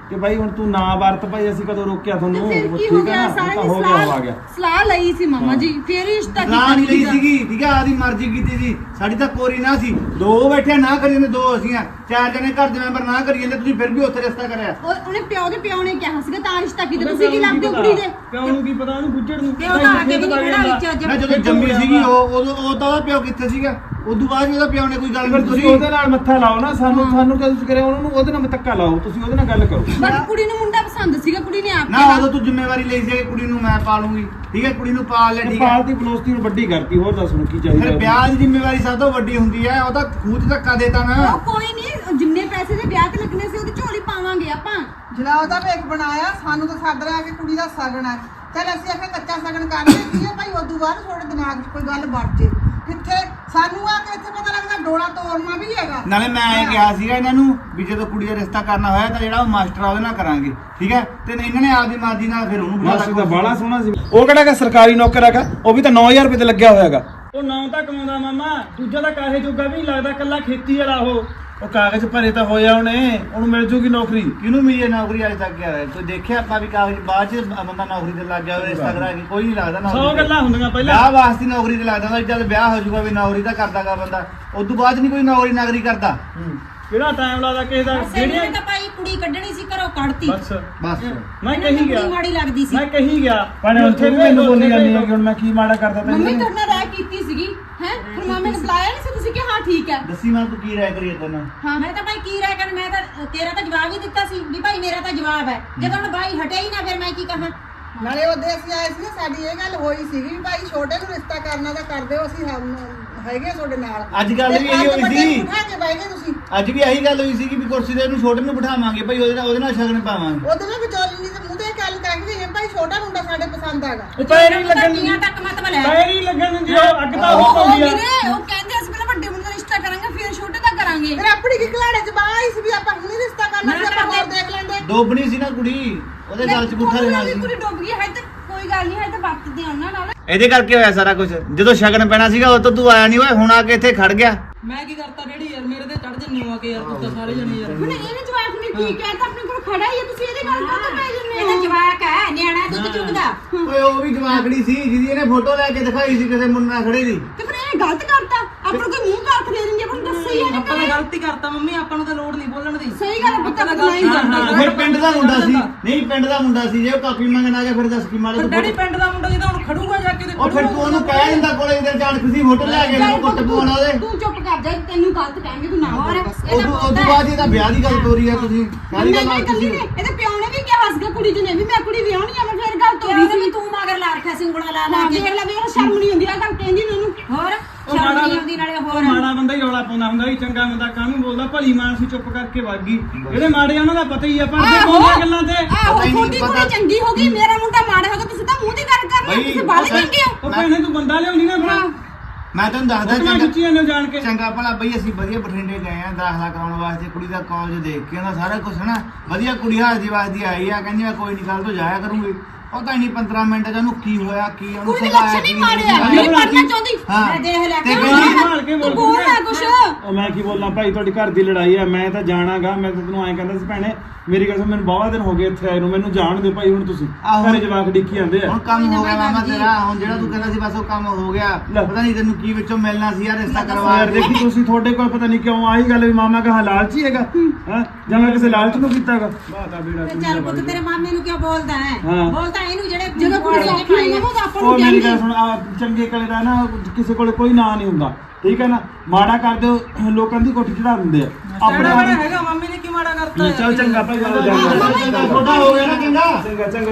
ਕਿ ਭਾਈ ਹੁਣ ਤੂੰ ਨਾ ਵਰਤ ਭਾਈ ਅਸੀਂ ਕਦੋਂ ਰੋਕਿਆ ਤੁਹਾਨੂੰ ਫਿਰ ਉਹ ਕੀ ਠੀਕ ਹੋ ਹੈ ਗਿਆ ਨਾ, ਸਾਰਿਆਂ ਤਾਂ ਨੇ ਹੋ ਗਿਆ ਉਹ ਆ ਗਿਆ ਸਲਾਹ ਲਈ ਸੀ ਮਾਮਾ ਜੀ ਫੇਰ ਹੀ ਰਿਸ਼ਤਾ ਸਲਾਹ ਨਹੀਂ ਲਈ ਸੀਗਾ। ਸੀਗੀ ਠੀਕ ਹੈ ਆਦੀ ਮਰਜ਼ੀ ਕੀਤੀ ਸੀ ਸਾਡੀ ਤਾਂ ਕੋਰੀ ਨਾ ਸੀ ਦੋ ਬੈਠੇ ਨਾ ਕਰੀ ਜਾਂਦੇ ਦੋ ਅਸੀਂ ਆ ਚਾਰ ਜਣੇ ਘਰ ਦੇ ਮੈਂਬਰ ਨਾ ਕਰੀ ਜਾਂਦੇ ਤੁਸੀਂ ਫਿਰ ਵੀ ਉੱਥੇ ਰਿਸ਼ਤਾ ਕਰਿਆ ਉਹਨੇ ਪਿਓ ਦੇ ਪਿਓ ਨੇ ਕਿਹਾ ਸੀਗਾ ਤਾਂ ਰਿਸ਼ਤਾ ਕੀਤਾ ਤੁਸੀਂ ਕੀ ਲੱਗਦੇ ਹੋ ਕੁੜੀ ਦੇ ਪਿਓ ਨੂੰ ਕੀ ਪਤਾ ਉਹਨੂੰ ਗੁੱਜੜ ਨੂੰ ਪਿਓ ਤਾਂ ਆ ਕੇ ਵੀ ਨਹੀਂ ਖੜਾ ਵਿੱਚ ਅੱਜ ਨਾ ਜਦੋਂ ਜੰਮੀ ਸੀਗੀ ਉਹ ਤਾਂ ਉਹਦਾ ਪਿਓ ਕਿੱਥੇ ਸੀਗਾ ਉਦੋਂ ਬਾਅਦ ਵੀ ਉਹਦਾ ਪਿਓ ਨੇ ਕੋਈ ਗੱਲ ਫਿਰ ਨਹੀਂ ਤੁਸੀਂ ਤੁਸੀਂ ਉਹਦੇ ਨਾਲ ਮੱਥਾ ਲਾਓ ਨਾ ਸਾਨੂੰ ਕਦੋਂ ਤੁਸੀਂ ਕਰਿਆ ਉਹਨਾਂ ਨੂੰ ਉਹਦੇ ਨਾਲ ਧੱਕਾ ਲਾਓ ਤੁਸੀਂ ਉਹਦੇ ਨਾਲ ਗੱਲ ਕਰੋ ਬਾਕੀ ਕੁੜੀ ਨੂੰ ਮੁੰਡਾ ਪਸੰਦ ਸੀਗਾ ਕੁੜੀ ਨੇ ਆਪ ਨਾ ਉਦੋਂ ਤੂੰ ਜ਼ਿੰਮੇਵਾਰੀ ਲਈ ਸੀ ਕਿ ਕੁੜੀ ਨੂੰ ਮੈਂ ਪਾਲੂੰਗੀ ਠੀਕ ਹੈ ਕੁੜੀ ਨੂੰ ਪਾਲ ਲੈ ਠੀਕ ਹੈ ਪਾਲਤੀ ਬਲੋਸਤੀ ਨੂੰ ਵੱਡੀ ਕਰਤੀ ਹੋਰ ਦੱਸ ਹੁਣ ਕੀ ਚਾਹੀਦਾ ਫਿਰ ਵਿਆਹ ਦੀ ਜ਼ਿੰਮੇਵਾਰੀ ਸਭ ਤੋਂ ਵੱਡੀ ਹੁੰਦੀ ਹੈ ਉਹ ਤਾਂ ਖੂਚ ਧੱਕਾ ਦੇਤਾ ਨਾ ਉਹ ਕੋਈ ਨਹੀਂ ਜਿੰਨੇ ਪੈਸੇ ਦੇ ਵਿਆਹ ਤੇ ਲੱਗਣੇ ਸੀ ਉਹਦੀ ਝੋਲੀ ਪਾਵਾਂਗੇ ਆਪਾਂ ਜਿਹੜਾ ਉਹਦਾ ਵੇਖ ਬਣਾਇਆ ਸਾਨੂੰ ਤਾਂ ਸੱਦ ਰਿਹਾ ਕਿ ਕੁੜੀ ਦਾ ਸਗਨ ਹੈ ਚਲ ਅਸੀਂ ਆਖਿਆ ਕੱਚਾ ਸਗਨ ਕਰ ਲਈ ਹੈ ਭਾਈ ਉਦੋਂ ਬਾਅਦ ਤੁਹਾਡੇ ਦਿਮਾਗ 'ਚ ਕੋਈ ਗੱਲ ਵੜ ਜੇ ਕਿੱਥੇ ਸਾਨੂੰ ਆ ਕੇ ਇੱਥੇ ਪਤਾ ਲੱਗਦਾ ਡੋਲਾ ਤੋੜਨਾ ਵੀ ਹੈਗਾ ਨਾਲੇ ਮੈਂ ਇਹ ਕਿਹਾ ਸੀਗਾ ਇਹਨਾਂ ਨੂੰ ਵੀ ਜਦੋਂ ਕੁੜੀ ਦਾ ਰਿਸ਼ਤਾ ਕਰਨਾ ਹੋਇਆ ਤਾਂ ਜਿਹੜਾ ਉਹ ਮਾਸਟਰ ਆ ਉਹਦੇ ਨਾਲ ਕਰਾਂਗੇ ਠੀਕ ਹੈ ਤੇ ਇਹਨਾਂ ਨੇ ਆਪਦੀ ਮਰਜ਼ੀ ਨਾਲ ਫਿਰ ਉਹਨੂੰ ਮਾਸੀ ਦਾ ਬਾਲਾ ਸੋਹਣਾ ਸੀ ਉਹ ਕਿਹੜਾ ਕਿ ਸਰਕਾਰੀ ਨੌਕਰ ਹੈਗਾ ਉਹ ਵੀ ਤਾਂ 9000 ਰੁਪਏ ਤੇ ਲੱਗਿਆ ਹੋਇਆ ਹੈਗਾ ਉਹ ਨਾਂ ਤਾਂ ਕਮਾਉਂਦਾ ਮਾਮਾ ਦੂਜਾ ਤਾਂ ਕਾਹੇ ਜੋਗਾ ਵੀ ਨਹੀਂ ਲੱਗਦਾ ਕੱਲਾ ਖੇਤੀ ਵਾਲਾ ਉਹ ਕਾਗਜ਼ ਭਰੇ ਤਾਂ ਹੋਇਆ ਉਹਨੂੰ ਮਿਲ ਜੂਗੀ ਨੌਕਰੀ ਕਿਹਨੂੰ ਮਿਲੀ ਹੈ ਨੌਕਰੀ ਅੱਜ ਤੱਕ ਯਾਰ ਕੋਈ ਦੇਖਿਆ ਆਪਾਂ ਵੀ ਕਾਗਜ਼ ਬਾਅਦ ਚ ਬੰਦਾ ਨੌਕਰੀ ਤੇ ਲੱਗ ਗਿਆ ਹੋਵੇ ਰਿਸ਼ਤਾ ਕਰਾ ਕੇ ਕੋਈ ਨਹੀਂ ਲੱਗਦਾ ਨੌਕਰੀ 100 ਗੱਲਾਂ ਹੁੰਦੀਆਂ ਪਹਿਲਾਂ ਵਿਆਹ ਵਾਸਤੇ ਨੌਕਰੀ ਤੇ ਲੱਗਦਾ ਹੁੰਦਾ ਜਦ ਵਿਆਹ ਹੋ ਜਾਊਗਾ ਵੀ ਨੌਕਰੀ ਤਾਂ ਕਰਦਾਗਾ ਬੰਦਾ ਉਦੋਂ ਬਾਅਦ ਨਹੀਂ ਕੋਈ ਨੌਕਰੀ ਨਾਗਰੀ ਕਰਦਾ ਕਿਹੜਾ ਟਾਈਮ ਲੱਗਦਾ ਕਿਸੇ ਦਾ ਸੈਣੀ ਨੇ ਤਾਂ ਭਾਈ ਕੁੜੀ ਕੱਢਣੀ ਸੀ ਘਰੋਂ ਕੱਢਤੀ ਬਸ ਬਸ ਮੈਂ ਕਹੀ ਗਿਆ ਕੁੜੀ ਮਾੜੀ ਲੱਗਦੀ ਸੀ ਮੈਂ ਕਹੀ ਗਿਆ ਭਾਣੇ ਹੁਣ ਤੂੰ ਵੀ ਮੈਨੂੰ ਬੋਲੀ ਜਾਂਦੀ ਹੈ ਕਿ ਹੁਣ ਮੈਂ ਕੀ ਮਾੜਾ ਕਰਦਾ ਮੰਮੀ ਤੈਨੂੰ ਤੁਹਾਡੇ ਨਾਲ ਰਾਇ ਕੀਤੀ ਸੀਗੀ ਹੈ ਫਿਰ ਮਾਮੇ ਨੇ ਬੁਲਾਇਆ ਨਹੀਂ ਸੀ ਤੁਸੀਂ ਕਿ ਹਾਂ ਠੀਕ ਹੈ ਦੱਸੀ ਮੈਂ ਤੂੰ ਕੀ ਰਾਇ ਕਰੀ ਤੈਨੂੰ ਹਾਂ ਮੈਂ ਤਾਂ ਭਾਈ ਕੀ ਰਹਿ ਕਰ ਮੈਂ ਤਾਂ ਤੇਰਾ ਤਾਂ ਜਵਾਬ ਹੀ ਦਿੱਤਾ ਸੀ ਵੀ ਭਾਈ ਮੇਰਾ ਤਾਂ ਜਵਾਬ ਹੈ ਜਦੋਂ ਹੁਣ ਭਾਈ ਹਟਿਆ ਹੀ ਨਾ ਫਿਰ ਮੈਂ ਕੀ ਕਹਾਂ ਨਾਲੇ ਉਹਦੇ ਅਸੀਂ ਆਏ ਸੀ ਨਾ ਸਾਡੀ ਇਹ ਗੱਲ ਹੋਈ ਸੀਗੀ ਵੀ ਭਾਈ ਛੋਟੇ ਨੂੰ ਰਿਸ਼ਤਾ ਕਰਨਾ ਤਾਂ ਕਰ ਦਿਓ ਅਸੀਂ ਹੈਗੇ ਤੁਹਾਡੇ ਨਾਲ ਅੱਜ ਗੱਲ ਵੀ ਇਹੀ ਹੋਈ ਸੀ ਉਠਾ ਕੇ ਬਹਿ ਗਏ ਤੁਸੀਂ ਅੱਜ ਵੀ ਇਹੀ ਗੱਲ ਹੋਈ ਸੀ ਕਿ ਵੀ ਕੁਰਸੀ ਤੇ ਇਹਨੂੰ ਛੋਟੇ ਨੂੰ ਬਿਠਾਵਾਂਗੇ ਭਾਈ ਉਹਦੇ ਨਾਲ ਸ਼ਗਨ ਪਾਵਾਂਗੇ ਉਹਦੇ ਨਾਲ ਵਿਚੋਲੀ ਨਹੀਂ ਤੇ ਮੂੰਹ ਤੇ ਗੱਲ ਕਹਿ ਕੇ ਭਾਈ ਛੋਟਾ ਮੁੰਡਾ ਸਾਡੇ ਪਸੰਦ ਆਗਾ ਉਹ ਪੈਰ ਹੀ ਲੱਗਣ ਧੀਆਂ ਤੱਕ ਮਤਲਬ ਹੈ ਪੈਰ ਹੀ ਲੱਗਣ ਦਿੰਦੀ ਉਹ ਅੱਗ ਤਾਂ ਉਹ ਪਾਉਂਦੀ ਆ ਵੀਰੇ ਉਹ ਕਹਿੰਦੇ ਅਸੀਂ ਪਹਿਲਾਂ ਵੱਡੇ ਮੁੰਡੇ ਦਾ ਰਿਸ਼ਤਾ ਕਰਾਂਗੇ ਫਿਰ ਛੋਟੇ ਦਾ ਕਰਾਂਗੇ ਫਿਰ ਆਪਣੀ ਕੀ ਘਲਾੜੇ ਚ ਬਾਹਰ ਆਈ ਸੀ ਵੀ ਆਪਾਂ ਹੁਣੇ ਰਿਸ਼ਤਾ ਕਰਨਾ ਸੀ ਆਪਾਂ ਹੋਰ ਦੇਖ ਲੈਂਦੇ ਡੋਬਣੀ ਸੀ ਨਾ ਕੁੜੀ ਉਹਦੇ ਗੱਲ ਚ ਪੁੱਠਾ ਦੇਣਾ ਸੀ ਕੁੜੀ ਡੁੱਬ ਗਈ ਹੈ ਤੇ ਕੋਈ ਗੱਲ ਨਹੀਂ ਹੈ ਤੇ ਵਰਤਦੇ ਆ ਉਹਨਾਂ ਨਾਲ ਇਹਦੇ ਕਰਕੇ ਹੋਇਆ ਸਾਰਾ ਕੁਝ ਜਦੋਂ ਸ਼ਗਨ ਪੈਣਾ ਸੀਗਾ ਉਹ ਤੋਂ ਤੂੰ ਆਇਆ ਨਹੀਂ ਓਏ ਹੁਣ ਆ ਕੇ ਇੱਥੇ ਖੜ ਗਿਆ ਮੈਂ ਕੀ ਕਰਤਾ ਡੈਡੀ ਯਾਰ ਮੇਰੇ ਤੇ ਚੜ ਜੰਨੇ ਹੋ ਆ ਕੇ ਯਾਰ ਤੂੰ ਤਾਂ ਸਾਰੇ ਜਣੇ ਯਾਰ ਹੁਣ ਇਹਨੇ ਜਵਾਬ ਨੇ ਕੀ ਕਹਿਤਾ ਆਪਣੇ ਕੋਲ ਖੜਾ ਹੀ ਹੈ ਤੁਸੀਂ ਇਹਦੇ ਗੱਲ ਕਿਉਂ ਪੈ ਜੰਨੇ ਇਹਦਾ ਜਵਾਕ ਹੈ ਨਿਆਣਾ ਦੁੱਧ ਚੁਗਦਾ ਓਏ ਉਹ ਵੀ ਜਵਾਕੜੀ ਸੀ ਜਿਹਦੀ ਇਹਨੇ ਫੋਟੋ ਲੈ ਕੇ ਦਿਖਾਈ ਸੀ ਕਿਸੇ ਮੁੰਡੇ ਨਾਲ ਖੜੇ ਦੀ ਤੇ ਫਿਰ ਇਹਨੇ ਗਲਤ ਕਰਤਾ ਆਪਣਾ ਕੋਈ ਮੂੰਹ ਕਾਖ ਦੇ ਦਿੰਦੀ ਆਪਾਂ ਨੂੰ ਦੱਸਿਆ ਹੀ ਆਪਾਂ ਨੇ ਗਲਤੀ ਕਰਤਾ ਮੰਮੀ ਆਪਾਂ ਨੂੰ ਤਾਂ ਲੋੜ ਨਹੀਂ ਬੋਲਣ ਦੀ ਸਹੀ ਗੱਲ ਪੁੱਤ ਆਪਾਂ ਨਹੀਂ ਕਰਦਾ ਫਿਰ ਪਿੰਡ ਦਾ ਮੁੰਡਾ ਸੀ ਨਹੀਂ ਪਿੰਡ ਦਾ ਮੁੰਡਾ ਸੀ ਜੇ ਉਹ ਕਾਪੀ ਮੰਗਣ ਆ ਗਿਆ ਫਿਰ ਦੱਸ ਕੀ ਮਾਰੇ ਡੈਡੀ ਪਿੰਡ ਦਾ ਮੁੰਡਾ ਜਿਹਦਾ ਹੁਣ ਖੜੂਗਾ ਜਾ ਕੇ ਤੇ ਉਹ ਫਿਰ ਤੂੰ ਉਹਨੂੰ ਕਹਿ ਦਿੰਦਾ ਕੋਲੇ ਇਧਰ ਜਾਣ ਖੁਸ਼ੀ ਫੋਟੋ ਲੈ ਕੇ ਮੈਨੂੰ ਕੁੱਟ ਪਵਾਉਣਾ ਉਹਦੇ ਤੂੰ ਚੁੱਪ ਕਰ ਜਾ ਤੈਨੂੰ ਗਲਤ ਕਹਿਣਗੇ ਤੂੰ ਨਾ ਹੋਰ ਉਹ ਤੋਂ ਬਾਅਦ ਇਹਦਾ ਵਿਆਹ ਦੀ ਗੱਲ ਤੋਰੀ ਆ ਤੁਸੀਂ ਕਾਹਦੀ ਗੱਲ ਆ ਤੁਸੀਂ ਇਹਦੇ ਪਿਓ ਨੇ ਵੀ ਕਿਹਾ ਸੀਗਾ ਕੁੜੀ ਜੀ ਨੇ ਵੀ ਮੈਂ ਕੁੜੀ ਵਿਆਹਣੀ ਆ ਮੈਂ ਫਿਰ ਗੱਲ ਤੋਰੀ ਉਹਦੇ ਸੀ ਵੀ ਤੂੰ ਮਗਰ ਲਾ ਰੱਖਿਆ ਸੀ ਉਂਗਲਾਂ ਲਾ ਲਾ ਹਾਂ ਕੇ ਦੇਖ ਲੈ ਵੇਖ ਸ਼ਰਮ ਨਹੀਂ ਹੁੰਦੀ ਆ ਗੱਲ ਕਹਿੰਦੀ ਨੇ ਉਹਨੂੰ ਹੋਰ ਸ਼ਰਮ ਨਹੀਂ ਆਉਂਦੀ ਨਾਲੇ ਉਹ ਹੋਰ ਮਾੜਾ ਬੰਦਾ ਹੀ ਰੌਲਾ ਪਾਉਂਦਾ ਹੁੰਦਾ ਸੀ ਚੰਗਾ ਬੰਦਾ ਕਾਹਨੂੰ ਬੋਲਦਾ ਭਲੀ ਮਾਨਸੀ ਚੁੱਪ ਕਰਕੇ ਵਗ ਗਈ ਇਹਦੇ ਮਾੜੇ ਉਹਨਾਂ ਦਾ ਪਤਾ ਹੀ ਆ ਪਰ ਜੇ ਬੋਲਦੀਆਂ ਗੱਲਾਂ ਤੇ ਆਹੋ ਤੁਹਾਡੀ ਕੁੜੀ ਚੰਗੀ ਹੋ ਗਈ ਮੇਰਾ ਮੁੰਡਾ ਮਾੜਾ ਹੋ ਗਿਆ ਤੁਸੀਂ ਤਾਂ ਮੂੰਹ ਦੀ ਗੱਲ ਕਰ ਰਹੇ ਹੋ ਤੁਸੀਂ ਬਾਹਰ ਚੰਗੇ ਹੋ ਉਹ ਭੈਣੇ ਤੂੰ ਬੰਦਾ ਲਿਆਉਣੀ ਨਾ ਫਿਰ ਮੈਂ ਤੈਨੂੰ ਦੱਸਦਾ ਚੰਗਾ ਖਿੱਚੀਆਂ ਨੇ ਜਾਣ ਕੇ ਚੰਗਾ ਭਲਾ ਬਈ ਅਸੀਂ ਵਧੀਆ ਬਠਿੰਡੇ ਗਏ ਆ ਦਾਖਲਾ ਕਰਾਉਣ ਵਾਸਤੇ ਕੁੜੀ ਦਾ ਕਾਲਜ ਦੇਖ ਕੇ ਉਹਦਾ ਸਾਰਾ ਕੁਝ ਹਨਾ ਵਧੀਆ ਕੁੜੀ ਹਾਜ਼ਰੀ ਵਾਸਦੀ ਆਈ ਆ ਕਹਿੰਦੀ ਮੈਂ ਕੋਈ ਨਹੀਂ ਕੱਲ ਤੋਂ ਜਾਇਆ ਕਰੂੰਗੀ ਪਤਾ ਹੀ ਨਹੀਂ 15 ਮਿੰਟ ਚ ਉਹਨੂੰ ਕੀ ਹੋਇਆ ਕੀ ਉਹਨੂੰ ਕੁੜੀ ਦੇ ਲੱਛਣ ਨਹੀਂ ਮਾਰਿਆ ਨਹੀਂ ਪੜਨਾ ਚਾਹੁੰਦੀ ਮੈਂ ਦੇਖ ਲਿਆ ਤੇ ਸੰਭਾਲ ਕੇ ਤੂੰ ਬੋਲ ਬੋਲ ਨਾ ਕੁਛ ਉਹ ਮੈਂ ਕੀ ਬੋਲਾਂ ਭਾਈ ਤੁਹਾਡੀ ਘਰ ਦੀ ਲੜਾਈ ਆ ਮੈਂ ਤਾਂ ਜਾਣਾਗਾ ਮੈਂ ਤਾਂ ਤੈਨੂੰ ਐਂ ਕਹਿੰਦਾ ਸੀ ਭੈਣੇ ਮੇਰੀ ਗੱਲ ਸੁਣ ਮੈਨੂੰ ਬਾਵਾ ਦਿਨ ਹੋ ਗਏ ਇੱਥੇ ਆਏ ਨੂੰ ਮੈਨੂੰ ਜਾਣ ਦਿਓ ਭਾਈ ਹੁਣ ਤੁਸੀਂ ਘਰੇ ਜਵਾਕ ਡਿੱਕੀ ਜਾਂਦੇ ਆ ਹੁਣ ਕੰਮ ਹੋ ਗਿਆ ਮਾਮਾ ਤੇਰਾ ਹੁਣ ਜਿਹੜਾ ਤੂੰ ਕਹਿੰਦਾ ਸੀ ਬਸ ਉਹ ਕੰਮ ਹੋ ਗਿਆ ਪਤਾ ਨਹੀਂ ਤੈਨੂੰ ਕੀ ਵਿੱਚੋਂ ਮਿਲਣਾ ਸੀ ਯਾਰ ਰਿਸ਼ਤਾ ਕਰਵਾ ਯਾਰ ਦੇਖੀ ਤੁਸੀਂ ਤੁਹਾਡੇ ਕੋਲ ਪਤਾ ਨਹੀਂ ਕਿਉਂ ਆਹੀ ਗੱਲ ਵੀ ਮਾਮਾ ਕਹਾ ਲਾਲਚੀ ਹੈਗਾ ਹਾਂ ਜਾਂ ਮੈਂ ਕਿਸੇ ਲਾਲਚ ਨੂੰ ਕੀਤਾਗਾ ਬਾਤਾ ਬੇੜਾ ਤੇ ਚੱਲ ਪੁੱਤ ਤੇਰੇ ਮਾਮੇ ਨੂੰ ਕਿਉਂ ਬੋਲਦਾ ਹੈ ਹਾਂ। ਬੋਲਦਾ ਇਹਨੂੰ ਜਿਹੜੇ ਜਦੋਂ ਕੁੜੀ ਲੱਗੀ ਹੋਈ ਨਾ ਤਾਂ ਆਪਾਂ ਨੂੰ ਉਹ ਮੇਰੀ ਕਹਿੰਦੀ ਗੱਲ ਸੁਣ ਚੰਗੇ ਕਲੇ ਦਾ ਨਾ ਕਿਸੇ ਕੋਲ ਕੋਈ ਨਾਂ ਨਹੀਂ ਹੁੰਦਾ ਠੀਕ ਹੈ ਨਾ ਮਾੜਾ ਕਰ ਦਿਓ ਲੋਕਾਂ ਦੀ ਕੋਠੀ ਚੜਾ ਦਿੰਦੇ ਆ ਆਪਣੇ ਵਾਲਾ ਹੈਗਾ ਮੰਮੀ ਨੇ ਕੀ ਮਾੜਾ ਕਰਤਾ ਚੱਲ ਚੰਗਾ ਭਾਈ ਗੱਲ ਜਾ ਛੋਟਾ ਹੋ ਗਿਆ ਨਾ ਚੰਗਾ ਚੰਗਾ ਚੰਗਾ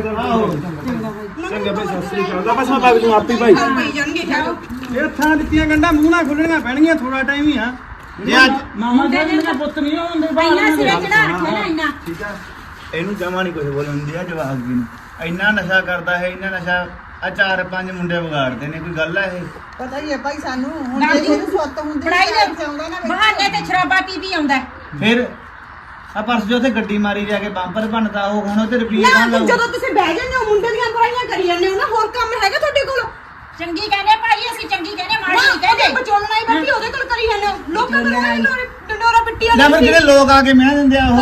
ਚੰਗਾ ਭਾਈ ਸਤਿ ਸ੍ਰੀ ਅਕਾਲ ਬਸ ਮੈਂ ਬਾਗ ਨੂੰ ਆਪੇ ਭਾਈ ਇਹ ਥਾਂ ਦਿੱਤੀਆਂ ਗੰਡਾ ਮੂੰਹ ਨਾਲ ਖੁੱਲਣੀਆਂ ਪੈਣਗੀਆਂ ਥੋੜਾ ਟਾਈਮ ਹੀ ਆ ਜੇ ਅੱਜ ਮਾਮਾ ਜੀ ਮੇਰਾ ਪੁੱਤ ਨਹੀਂ ਹੁੰਦੇ ਇੰਨਾ ਸਿਰੇ ਚੜਾ ਰੱਖਿਆ ਨਾ ਇੰਨਾ ਠੀਕ ਆ ਇਹਨੂੰ ਜਮਾ ਨਹੀਂ ਕੁਝ ਬੋਲਣ ਦਿੰਦੀ ਆ ਜਵਾਕ ਜੀ ਨੂੰ ਇੰਨਾ ਨਸ਼ਾ ਕਰਦਾ ਹੈ ਇੰਨਾ ਨਸ਼ਾ ਆ 4-5 ਮੁੰਡੇ ਵਿਗਾੜਦੇ ਨੇ ਕੋਈ ਗੱਲ ਹੈ ਇਹ ਪਤਾ ਹੀ ਹੈ ਭਾਈ ਸਾਨੂੰ ਹੁਣ ਦਾਦੀ, ਜੇ ਇਹਨੂੰ ਸੁੱਤ ਹੁੰਦੀ ਪੜਾਈ ਘਰ 'ਚ ਆਉਂਦਾ ਨਾ ਦੇ ਬਹਾਨੇ ਤੇ ਸ਼ਰਾਬਾ ਪੀ ਪੀ ਆਉਂਦਾ ਫਿਰ ਆ ਪਰਸ ਜੋ ਉੱਥੇ ਗੱਡੀ ਮਾਰੀ ਜਾ ਕੇ ਬੰਪਰ ਬਣਦਾ ਉਹ ਹੁਣ ਉਹ ਤੇ ਰੁਪਈਏ ਨਾ ਕੌਣ ਲਾਊ ਜਦੋਂ ਤੁਸੀਂ ਬਹਿ ਜਾਂਦੇ ਹੋ ਮੁੰਡੇ ਦੀਆਂ ਬੁਰਾਈਆਂ ਕਰੀ ਜਾਂਦੇ ਹੋ ਨਾ ਹੋਰ ਕੰਮ ਹੈਗਾ ਤੁਹਾਡੇ ਕੋਲ ਚੰਗੀ ਕਹਿੰਦੇ ਭਾਈ ਅਸੀਂ ਚੰਗੀ ਕਹਿੰਦੇ ਮਾੜੀ ਨਹੀਂ ਕਹਿੰਦੇ ਬਚੋਲਣਾ ਹੀ ਬੈਠੀ ਉਹਦੇ ਕੋਲ ਕਰੀ ਜਾਂਦੇ ਹੋ ਲੋਕਾਂ ਕੋਲ ਡੰਡੋਰਾ ਪਿੱਟੀ ਜਾਂ ਫਿਰ ਜਿਹੜੇ ਲੋਕ ਆ ਕੇ ਮਿਹਨਤ ਦਿੰਦੇ ਆ ਉਹ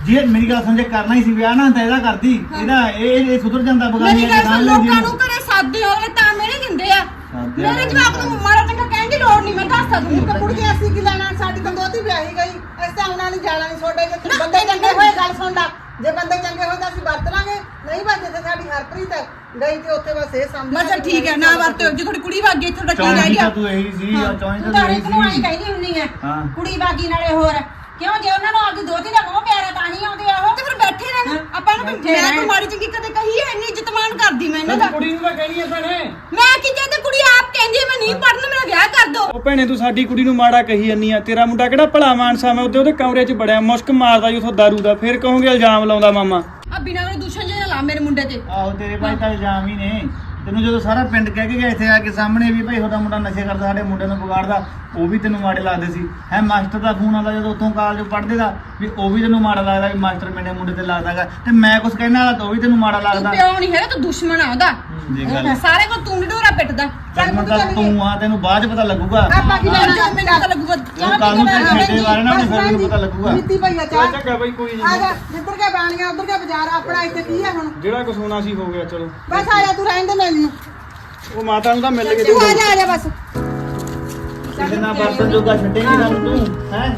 ਜੇ ਮੇਰੀ ਗੱਲ ਸਮਝੇ ਕਰਨਾ ਹੀ ਸੀ ਵਿਆਹ ਨਾ ਤਾਂ ਇਹਦਾ ਕਰਦੀ ਇਹਦਾ ਇਹ ਸੁਧਰ ਜਾਂਦਾ ਬਗਾਨੀ ਮੇਰੀ ਗੱਲ ਸੁਣ, ਲੋਕਾਂ ਨੂੰ ਘਰੇ ਸਾਦੇ ਹੋਵੇ ਤਾਂ ਮੇਰੇ ਦਿੰਦੇ ਆ ਮੇਰੇ ਜਵਾਬ ਨੂੰ ਮਾੜਾ ਚੰਗਾ ਕਹਿਣ ਦੀ ਲੋੜ ਨਹੀਂ, ਮੈਂ ਦੱਸ ਸਕਦੀ ਤਾਂ ਕੁੜੀ ਅਸੀਂ ਕੀ ਲੈਣਾ, ਸਾਡੀ ਤਾਂ ਦੋਤੀ ਵਿਆਹੀ ਗਈ, ਅਸੀਂ ਤਾਂ ਆਉਣਾ ਨਹੀਂ ਜਾਣਾ ਨਹੀਂ ਛੋੜੇ ਜੇ ਬੰਦੇ ਚੰਗੇ ਹੋਏ ਗੱਲ ਸੁਣ ਲਾ, ਜੇ ਬੰਦੇ ਚੰਗੇ ਹੋਏ ਤਾਂ ਅਸੀਂ ਵਰਤ ਲਾਂਗੇ, ਨਹੀਂ ਬਸ ਤੇ ਸਾਡੀ ਹਰਪ੍ਰੀਤ ਗਈ ਤੇ ਉੱਥੇ ਬਸ ਇਹ ਸਮਝ ਬਸ ਠੀਕ ਹੈ, ਨਾ ਵਰਤੋ, ਜੇ ਤੁਹਾਡੀ ਕੁੜੀ ਵਗ ਗਈ ਤੁਹਾਡਾ ਕੀ ਰਹਿ ਗਿਆ? ਤੂੰ ਇਹੀ ਸੀ ਚੌਂਈ ਤੂੰ ਤਾਂ ਤਾਂ ਇਹੀ ਇੱਕ ਨੂੰ ਆਈ ਸੀ ਕਹਿੰਦੀ ਹੁੰਨੀ ਆ ਹਾਂ। ਕੁੜੀ ਬਾਗੀ ਨਾਲੇ ਹੋਰ ਕਿਉਂ ਜੇ ਉਹਨਾਂ ਨੂੰ ਆਪਦੀ ਦੋਤੀ ਦਾ ਮੋਹ ਪਿਆਰਾ ਤਾਂ ਨਹੀਂ ਆਉਂਦੇ ਆ ਉਹ ਤੇ ਫਿਰ ਬੈਠੇ ਰਹਿਣ ਆਪਾਂ ਨੂੰ ਮੈਂ ਕੋਈ ਮਾੜੀ ਚੰਗੀ ਕਦੇ ਕਹੀ ਹੈ, ਇੰਨੀ ਇੱਜ਼ਤ ਮਾਣ ਕਰਦੀ ਮੈਂ ਇਹਨਾਂ ਦਾ। ਕੁੜੀ ਨੂੰ ਤਾਂ ਕਹਿਣੀ ਆ ਭੈਣੇ। ਮੈਂ ਕੀ ਕਹਿੰਦੇ, ਕੁੜੀ ਆਪ ਕਹਿੰਦੀ ਹੈ ਮੈਂ ਨਹੀਂ ਪੜਨ, ਮੇਰਾ ਵਿਆਹ ਕਰ ਦੋ। ਉਹ ਭੈਣੇ ਤੂੰ ਸਾਡੀ ਕੁੜੀ ਨੂੰ ਮਾੜਾ ਕਹੀ ਜੰਨੀ ਆ, ਤੇਰਾ ਮੁੰਡਾ ਕਿਹੜਾ ਭਲਾ ਮਾਨਸਾ ਮੈਂ ਉਹਦੇ ਕਮਰੇ 'ਚ ਬੜਿਆ ਮੁਸ਼ਕ ਮਾਰਦਾ ਜੀ ਉਥੋਂ ਦਾਰੂ ਦਾ, ਫਿਰ ਕਹੋਗੇ ਇਲਜ਼ਾਮ ਲਾਉਂਦਾ ਮਾਮਾ। ਆ ਬਿਨਾਂ ਕੋਈ ਦੂਸ਼ਣ ਜੇ ਨਾ ਲਾ ਮੇਰੇ ਮੁੰਡੇ ਤੇ। ਆਹੋ ਤੇਰੇ ਭਾਈ ਤਾਂ ਇਲਜ਼ਾਮ ਹੀ ਨੇ, ਤੈਨੂੰ ਜਦੋਂ ਸਾਰਾ ਪਿੰਡ ਕਹਿ ਕੇ ਗਿਆ ਇੱਥੇ ਆ ਕੇ ਸਾਹਮਣੇ ਵੀ ਭਾਈ ਤੁਹਾਡਾ ਮੁੰਡਾ ਨਸ਼ੇ ਕਰਦਾ, ਸਾਡੇ ਮੁੰਡੇ ਨੂੰ ਵਿਗਾੜਦਾ, ਉਹ ਵੀ ਤੈਨੂੰ ਮਾੜੇ ਲੱਗਦੇ ਸੀ ਹੈ। ਮਾਸਟਰ ਦਾ ਫੋਨ ਆਉਂਦਾ ਜਦੋਂ ਉੱਥੋਂ ਕਾਲਜ ਪੜ੍ਹਦੇ ਦਾ ਵੀ ਉਹ ਵੀ ਤੈਨੂੰ ਮਾੜਾ ਲੱਗਦਾ ਵੀ ਮਾਸਟਰ ਮੇਰੇ ਮੁੰਡੇ ਤੇ ਲੱਗਦਾਗਾ, ਤੇ ਮੈਂ ਕੁਝ ਕਹਿਣਾ ਵਾਲਾ ਤਾਂ ਉਹ ਵੀ ਤੈਨੂੰ ਮਾੜਾ ਤੂੰ ਲੱਗਦਾ। ਪਿਓ ਨਹੀਂ ਹੈਗਾ, ਤੂੰ ਦੁਸ਼ਮਣ ਆ ਉਹਦਾ। ਇਹ ਗੱਲ ਸਾਰੇ ਕੋ ਤੂੰ ਢੋਰਾ ਪਿੱਟਦਾ। ਤਾਂ ਤੂੰ ਆ, ਤੈਨੂੰ ਬਾਅਦ 'ਚ ਪਤਾ ਲੱਗੂਗਾ, ਆਪਾਂ ਕੀ ਲੈਣਾ, ਮੈਨੂੰ ਪਤਾ ਲੱਗੂਗਾ। ਉਹ ਕੱਲ ਨੂੰ ਤੇਰੇ ਛੇੜੇ ਵਾਲੇ ਨਾਲ ਫਿਰ ਤੈਨੂੰ ਪਤਾ ਲੱਗੂਗਾ। ਨੀਤੀ ਭਈਆ ਚਾਹ ਚੰਗਾ ਬਾਈ ਕੋਈ ਆ ਜਾ, ਜਿੱਧਰ ਕੇ ਬਾਣੀਆਂ ਉਧਰ ਕੇ ਬਾਜ਼ਾਰ, ਆਪਣਾ ਇੱਥੇ ਕੀ ਹੈ ਹੁਣ? ਜਿਹੜਾ ਕੁਝ ਹੋਣਾ ਸੀ ਹੋ ਗਿਆ, ਚਲੋ ਬਸ ਆ ਜਾ, ਤੂੰ ਰਹਿਣ ਦੇ ਮੈਨੂੰ, ਉਹ ਮਾਤਾ ਨੂੰ ਤਾਂ ਮਿਲ ਗਏ ਤੂੰ ਆ ਜਾ ਬਸ। ਕਿਸੇ ਨਾਲ ਬਰਤਨ ਜੋਗਾ ਛੱਡੇਂਗੀ ਨਾ ਤੂੰ ਹੈ।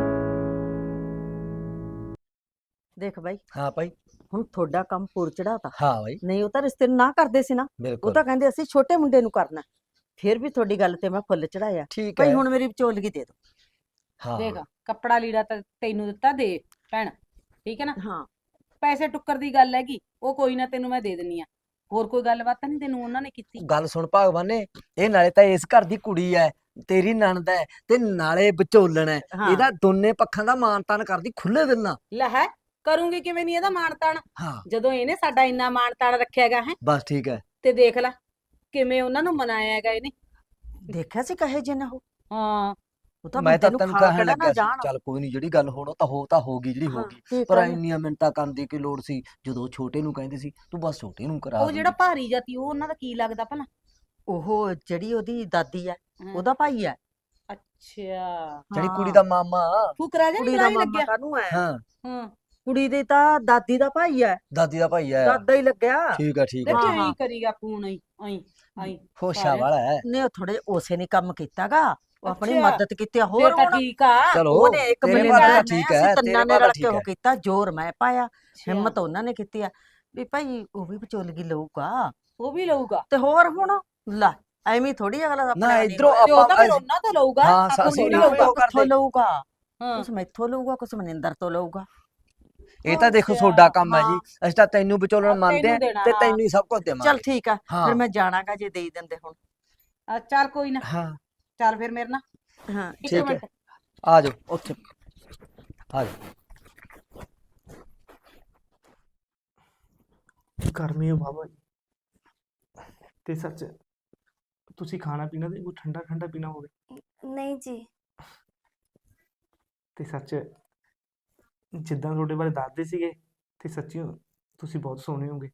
ਦੇਖ ਬਾਈ, ਹਾਂ ਭਾਈ। ਹੁਣ ਤੁਹਾਡਾ ਕੰਮ ਪੂਰ ਚੜਾਤਾ। ਹਾਂ ਭਾਈ। ਨਹੀਂ ਉਹ ਤਾਂ ਰਿਸ਼ਤੇ ਨੂੰ ਨਾ ਕਰਦੇ ਸੀ ਨਾ, ਉਹ ਬਿਲਕੁਲ ਤਾਂ ਕਹਿੰਦੇ ਅਸੀਂ ਛੋਟੇ ਮੁੰਡੇ ਨੂੰ ਕਰਨਾ, ਫਿਰ ਵੀ ਤੁਹਾਡੀ ਗੱਲ ਤੇ ਮੈਂ ਫੁੱਲ ਚੜਾਇਆ। ਠੀਕ ਭਾਈ ਹੈ। ਹੁਣ ਮੇਰੀ ਵਿਚੋਲਗੀ ਦੇ ਦਿਓ। ਹਾਂ ਦੇਖ ਕੱਪੜਾ ਲੀੜਾ ਤਾਂ ਤੈਨੂੰ ਦਿੱਤਾ ਦੇ ਭੈਣ, ਠੀਕ ਹੈ ਨਾ। ਹਾਂ ਪੈਸੇ ਟੁੱਕਰ ਦੀ ਗੱਲ ਹੈਗੀ, ਉਹ ਕੋਈ ਨਾ ਤੈਨੂੰ ਮੈਂ ਦੇ ਦਿੰਨੀ ਆ। ਹੋਰ ਕੋਈ ਗੱਲਬਾਤ ਤਾਂ ਨਹੀਂ ਤੈਨੂੰ ਉਹਨਾਂ ਨੇ ਕੀਤੀ? ਗੱਲ ਸੁਣ ਭਗਵਾਨੇ, ਇਹ ਨਾਲੇ ਤਾਂ ਇਸ ਘਰ ਦੀ ਕੁੜੀ ਐ, ਤੇਰੀ ਨਣਦ ਐ, ਤੇ ਨਾਲੇ ਵਿਚੋਲਣ ਐ, ਹਾਂ। ਇਹਦਾ ਦੋਨੇ ਪੱਖਾਂ ਦਾ ਮਾਣ ਤਾਣ ਕਰਦੀ ਖੁੱਲੇ ਦਿਲ ਨਾਲ। ਲੈ ਹੈ ਕਰੂੰਗੀ ਕਿਵੇਂ ਨਹੀਂ ਇਹਦਾ ਮਾਣ ਤਾਣ, ਹਾਂ ਜਦੋਂ ਇਹਨੇ ਸਾਡਾ ਇੰਨਾ ਮਾਣ ਤਾਣ ਰੱਖਿਆਗਾ ਹੈ। ਬਸ ਠੀਕ ਹੈ। ਤੇ ਦੇਖ ਲੈ ਕਿਵੇਂ ਉਹਨਾਂ ਨੂੰ ਮਨਾਇਆ ਹੈਗਾ ਇਹਨੇ। ਦੇਖਿਆ ਸੀ ਕਹੇ ਜੇ ਨਾ ਹੋ। ਹਾਂ ਉਹ ਤਾਂ ਮੈਂ ਤਾਂ ਬੰਦੇ ਨੂੰ ਤੈਨੂੰ ਖਾ ਕਹਿਣ ਖੜਾ ਲੱਗਾ ਨਾ ਸੀ ਜਾਣ। ਚੱਲ ਕੋਈ ਨਹੀਂ, ਜਿਹੜੀ ਗੱਲ ਹੋਣਾ ਤਾਂ ਹੋ ਗਈ ਜਿਹੜੀ ਹੋ ਹਾਂ, ਗਈ, ਕੀ ਪਰ ਕਰਨਾ? ਇੰਨੀਆਂ ਮਿੰਟਾਂ ਕਰਨ ਦੀ ਕੀ ਲੋੜ ਸੀ? ਜਦੋਂ ਛੋਟੇ ਨੂੰ ਕਹਿੰਦੇ ਸੀ ਤੂੰ ਬਸ ਛੋਟੇ ਨੂੰ ਕਰਾ ਉਹ ਜਿਹੜਾ ਭਾਰੀ ਜਾਤੀ ਉਹ ਉਹਨਾਂ ਦਾ ਕੀ ਲੱਗਦਾ ਭਲਾ? ਉਹ ਜਿਹੜੀ ਉਹਦੀ ਦਾਦੀ ਹੈ ਉਹਦਾ ਭਾਈ ਹੈ। ਅੱਛਾ ਜਿਹੜੀ ਕੁੜੀ ਦਾ ਮਾਮਾ। ਫੁਕਰਾ ਜਿਹਾ ਕੁੜੀ ਨੀ ਦਾ ਲੱਗਿਆ। ਮਾਮਾ ਕਾਹਨੂੰ ਹੈ? ਹਾਂ ਹਾਂ ਕੁੜੀ ਦੇ ਤਾਂ ਦਾਦੀ ਦਾ ਭਾਈ ਹੈ, ਦਾਦੀ ਦਾ ਭਾਈ ਹੈ। ਦਾਦਾ ਹੀ ਲੱਗਿਆ। ਠੀਕ ਹੈ ਠੀਕ ਹੈ। ਦੇਖੀ ਹਾਂ। ਐਂ ਕਰੀਗਾ ਫੋਨ ਐਂ ਹੋਸ਼ਾ ਵਾਲਾ ਹੈ। ਨੇ ਉਹ ਥੋੜੇ ਉਸੇ ਨੇ ਕੰਮ ਕੀਤਾਗਾ, ਉਹ ਆਪਣੀ ਅੱਛਾ। ਮਦਦ ਕੀਤੀ ਆ। ਹੋਰ ਹੋਰ ਤਾਂ ਹੁਣ ਠੀਕ ਆ। ਚਲੋ ਉਹਨੇ ਇੱਕ ਤੇਰੇ ਮਿਲੇ ਬਾਰੇ ਦਾ ਤਾਂ ਠੀਕ ਹੈ, ਅਸੀਂ ਤੇਰੇ ਤਿੰਨਾਂ ਨੇ ਬਾਰੇ ਰਲ ਠੀਕ ਕੇ ਉਹ ਹੈ। ਕੀਤਾ, ਜ਼ੋਰ ਮੈਂ ਪਾਇਆ, ਹਿੰਮਤ ਉਹਨਾਂ ਨੇ ਕੀਤੀ ਆ ਵੀ ਭਾਈ ਉਹ ਵੀ ਵਿਚੋਲਗੀ ਲਊਗਾ। ਉਹ ਵੀ ਲਊਗਾ ਤੇ ਹੋਰ ਹੁਣ ਲੈ ਐਵੇਂ ਥੋੜੀ ਅਗਲਾ ਨਾ ਆਪਣੇ ਇਧਰੋਂ ਤੇ ਉਹ ਤਾਂ ਆਪਾਂ ਫਿਰ ਉਹਨਾਂ ਤੋਂ ਲਊਗਾ। ਹਾਂ, ਆਪਾਂ ਅਸੀਂ ਥੋੜ੍ਹੀ ਨਹੀਂ ਲਊਗਾ। ਉਹ ਕਰਦੇ। ਕਿੱਥੋਂ ਲਊਗਾ? ਹਾਂ ਕੁਛ ਮੈਥੋਂ ਲਊਗਾ, ਕੁਛ ਮਨਿੰਦਰ ਤੋਂ ਲਊਗਾ। ਇਹ ਤਾਂ ਦੇਖੋ ਤੁਹਾਡਾ ਕੰਮ ਹੈ ਜੀ, ਅਸੀਂ ਤਾਂ ਤੈਨੂੰ ਵਿਚੋਲਣ ਮੰਨਦੇ ਤੈਨੂੰ ਆ ਦੇਣਾ, ਤੇ ਹਾਂ। ਤੈਨੂੰ ਹੀ ਸਭ ਕੁਝ ਚੱਲ ਦੇਵਾਂਗੇ। ਠੀਕ ਆ, ਹਾਂ। ਫਿਰ ਮੈਂ ਜਾਣਾਗਾ ਜੇ ਦੇ ਹੀ ਦਿੰਦੇ ਹੁਣ। ਚੱਲ ਕੋਈ ਨਾ, ਹਾਂ ਚੱਲ ਫਿਰ ਮੇਰੇ ਨਾਲ ਹਾਂ ਇੱਕ ਠੀਕ ਹੈ। ਮਿੰਟ। ਆ ਜਾਓ ਉੱਥੇ ਆ ਜਾਓ। ਗਰਮੀ ਹੈ ਬਾਬਾ ਜੀ। ਤੇ ਸੱਚ ਤੁਸੀਂ ਖਾਣਾ ਪੀਣਾ ਤੇ ਕੋਈ ਠੰਡਾ ਠੰਡਾ ਪੀਣਾ ਹੋਵੇ ਨਹੀਂ ਜੀ। ਤੇ ਸੱਚ ਜਿੱਦਾਂ ਤੁਹਾਡੇ ਬਾਰੇ ਦੱਸਦੇ ਸੀਗੇ ਤੇ ਸੱਚੀ ਤੁਸੀਂ ਬਹੁਤ ਸੋਹਣੇ ਹੋਗੇ।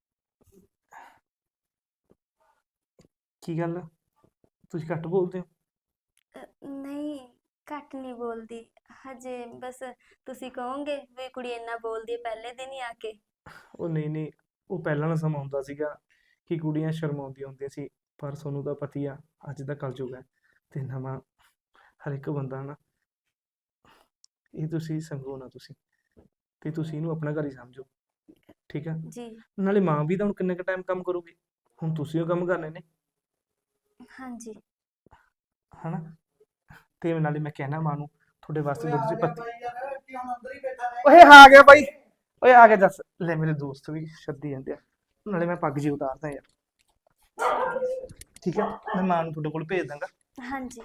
ਕੀ ਗੱਲ ਤੁਸੀਂ ਘੱਟ ਬੋਲਦੇ ਹੋ? ਨਹੀਂ ਘੱਟ ਨਹੀਂ ਬੋਲਦੀ ਹਜੇ, ਬਸ ਤੁਸੀਂ ਕਹੋਗੇ ਵੀ ਕੁੜੀ ਇੰਨਾ ਬੋਲਦੀ ਹੈ ਪਹਿਲੇ ਦਿਨ ਹੀ ਆ ਕੇ। ਉਹ ਨਹੀਂ, ਉਹ ਪਹਿਲਾਂ ਦਾ ਸਮਾਂ ਹੁੰਦਾ ਸੀਗਾ ਕਿ ਕੁੜੀਆਂ ਸ਼ਰਮਾਉਂਦੀਆਂ ਹੁੰਦੀਆਂ ਸੀ, ਪਰ ਤੁਹਾਨੂੰ ਤਾਂ ਪਤੀ ਆ ਅੱਜ ਦਾ ਕਲਯੁਗ ਹੈ ਤੇ ਨਵਾਂ ਹਰ ਇੱਕ ਬੰਦਾ ਨਾ, ਇਹ ਤੁਸੀਂ ਸੰਗੋ ਨਾ ਤੁਸੀਂ, ਤੇ ਤੁਸੀਂ ਇਹਨੂੰ ਆਪਣਾ ਘਰ ਹੀ ਸਮਝੋ, ਠੀਕ ਹੈ। ਜੀ ਨਾਲੇ ਮਾਂ ਵੀ ਤਾਂ ਹੁਣ ਕਿੰਨੇ ਕੁ ਟਾਈਮ ਕੰਮ ਕਰੂਗੀ, ਹੁਣ ਤੁਸੀਂ ਉਹ ਕੰਮ ਕਰਨੇ ਨੇ, ਹਾਂਜੀ। ਹਨਾ। ਤੇ ਨਾਲੇ ਮੈਂ ਕਹਿਣਾ ਮਾਂ ਨੂੰ ਤੁਹਾਡੇ ਵਾਸਤੇ ਦੁੱਧ ਦੀ ਪੱਤੀ। ਓਏ ਆ ਗਿਆ ਬਾਈ, ਓਏ ਆ ਗਿਆ ਜੱਸ, ਲੈ ਮੇਰੇ ਦੋਸਤ ਵੀ ਸੱਦੀ ਜਾਂਦੇ ਆ, ਨਾਲੇ ਮੈਂ ਪੱਗ ਜੀ ਉਤਾਰਦਾ ਯਾਰ, ਠੀਕ ਹੈ। ਮੈਂ ਮਾਂ ਨੂੰ ਤੁਹਾਡੇ ਕੋਲ ਭੇਜ ਦਾਂਗਾ। ਹਾਂਜੀ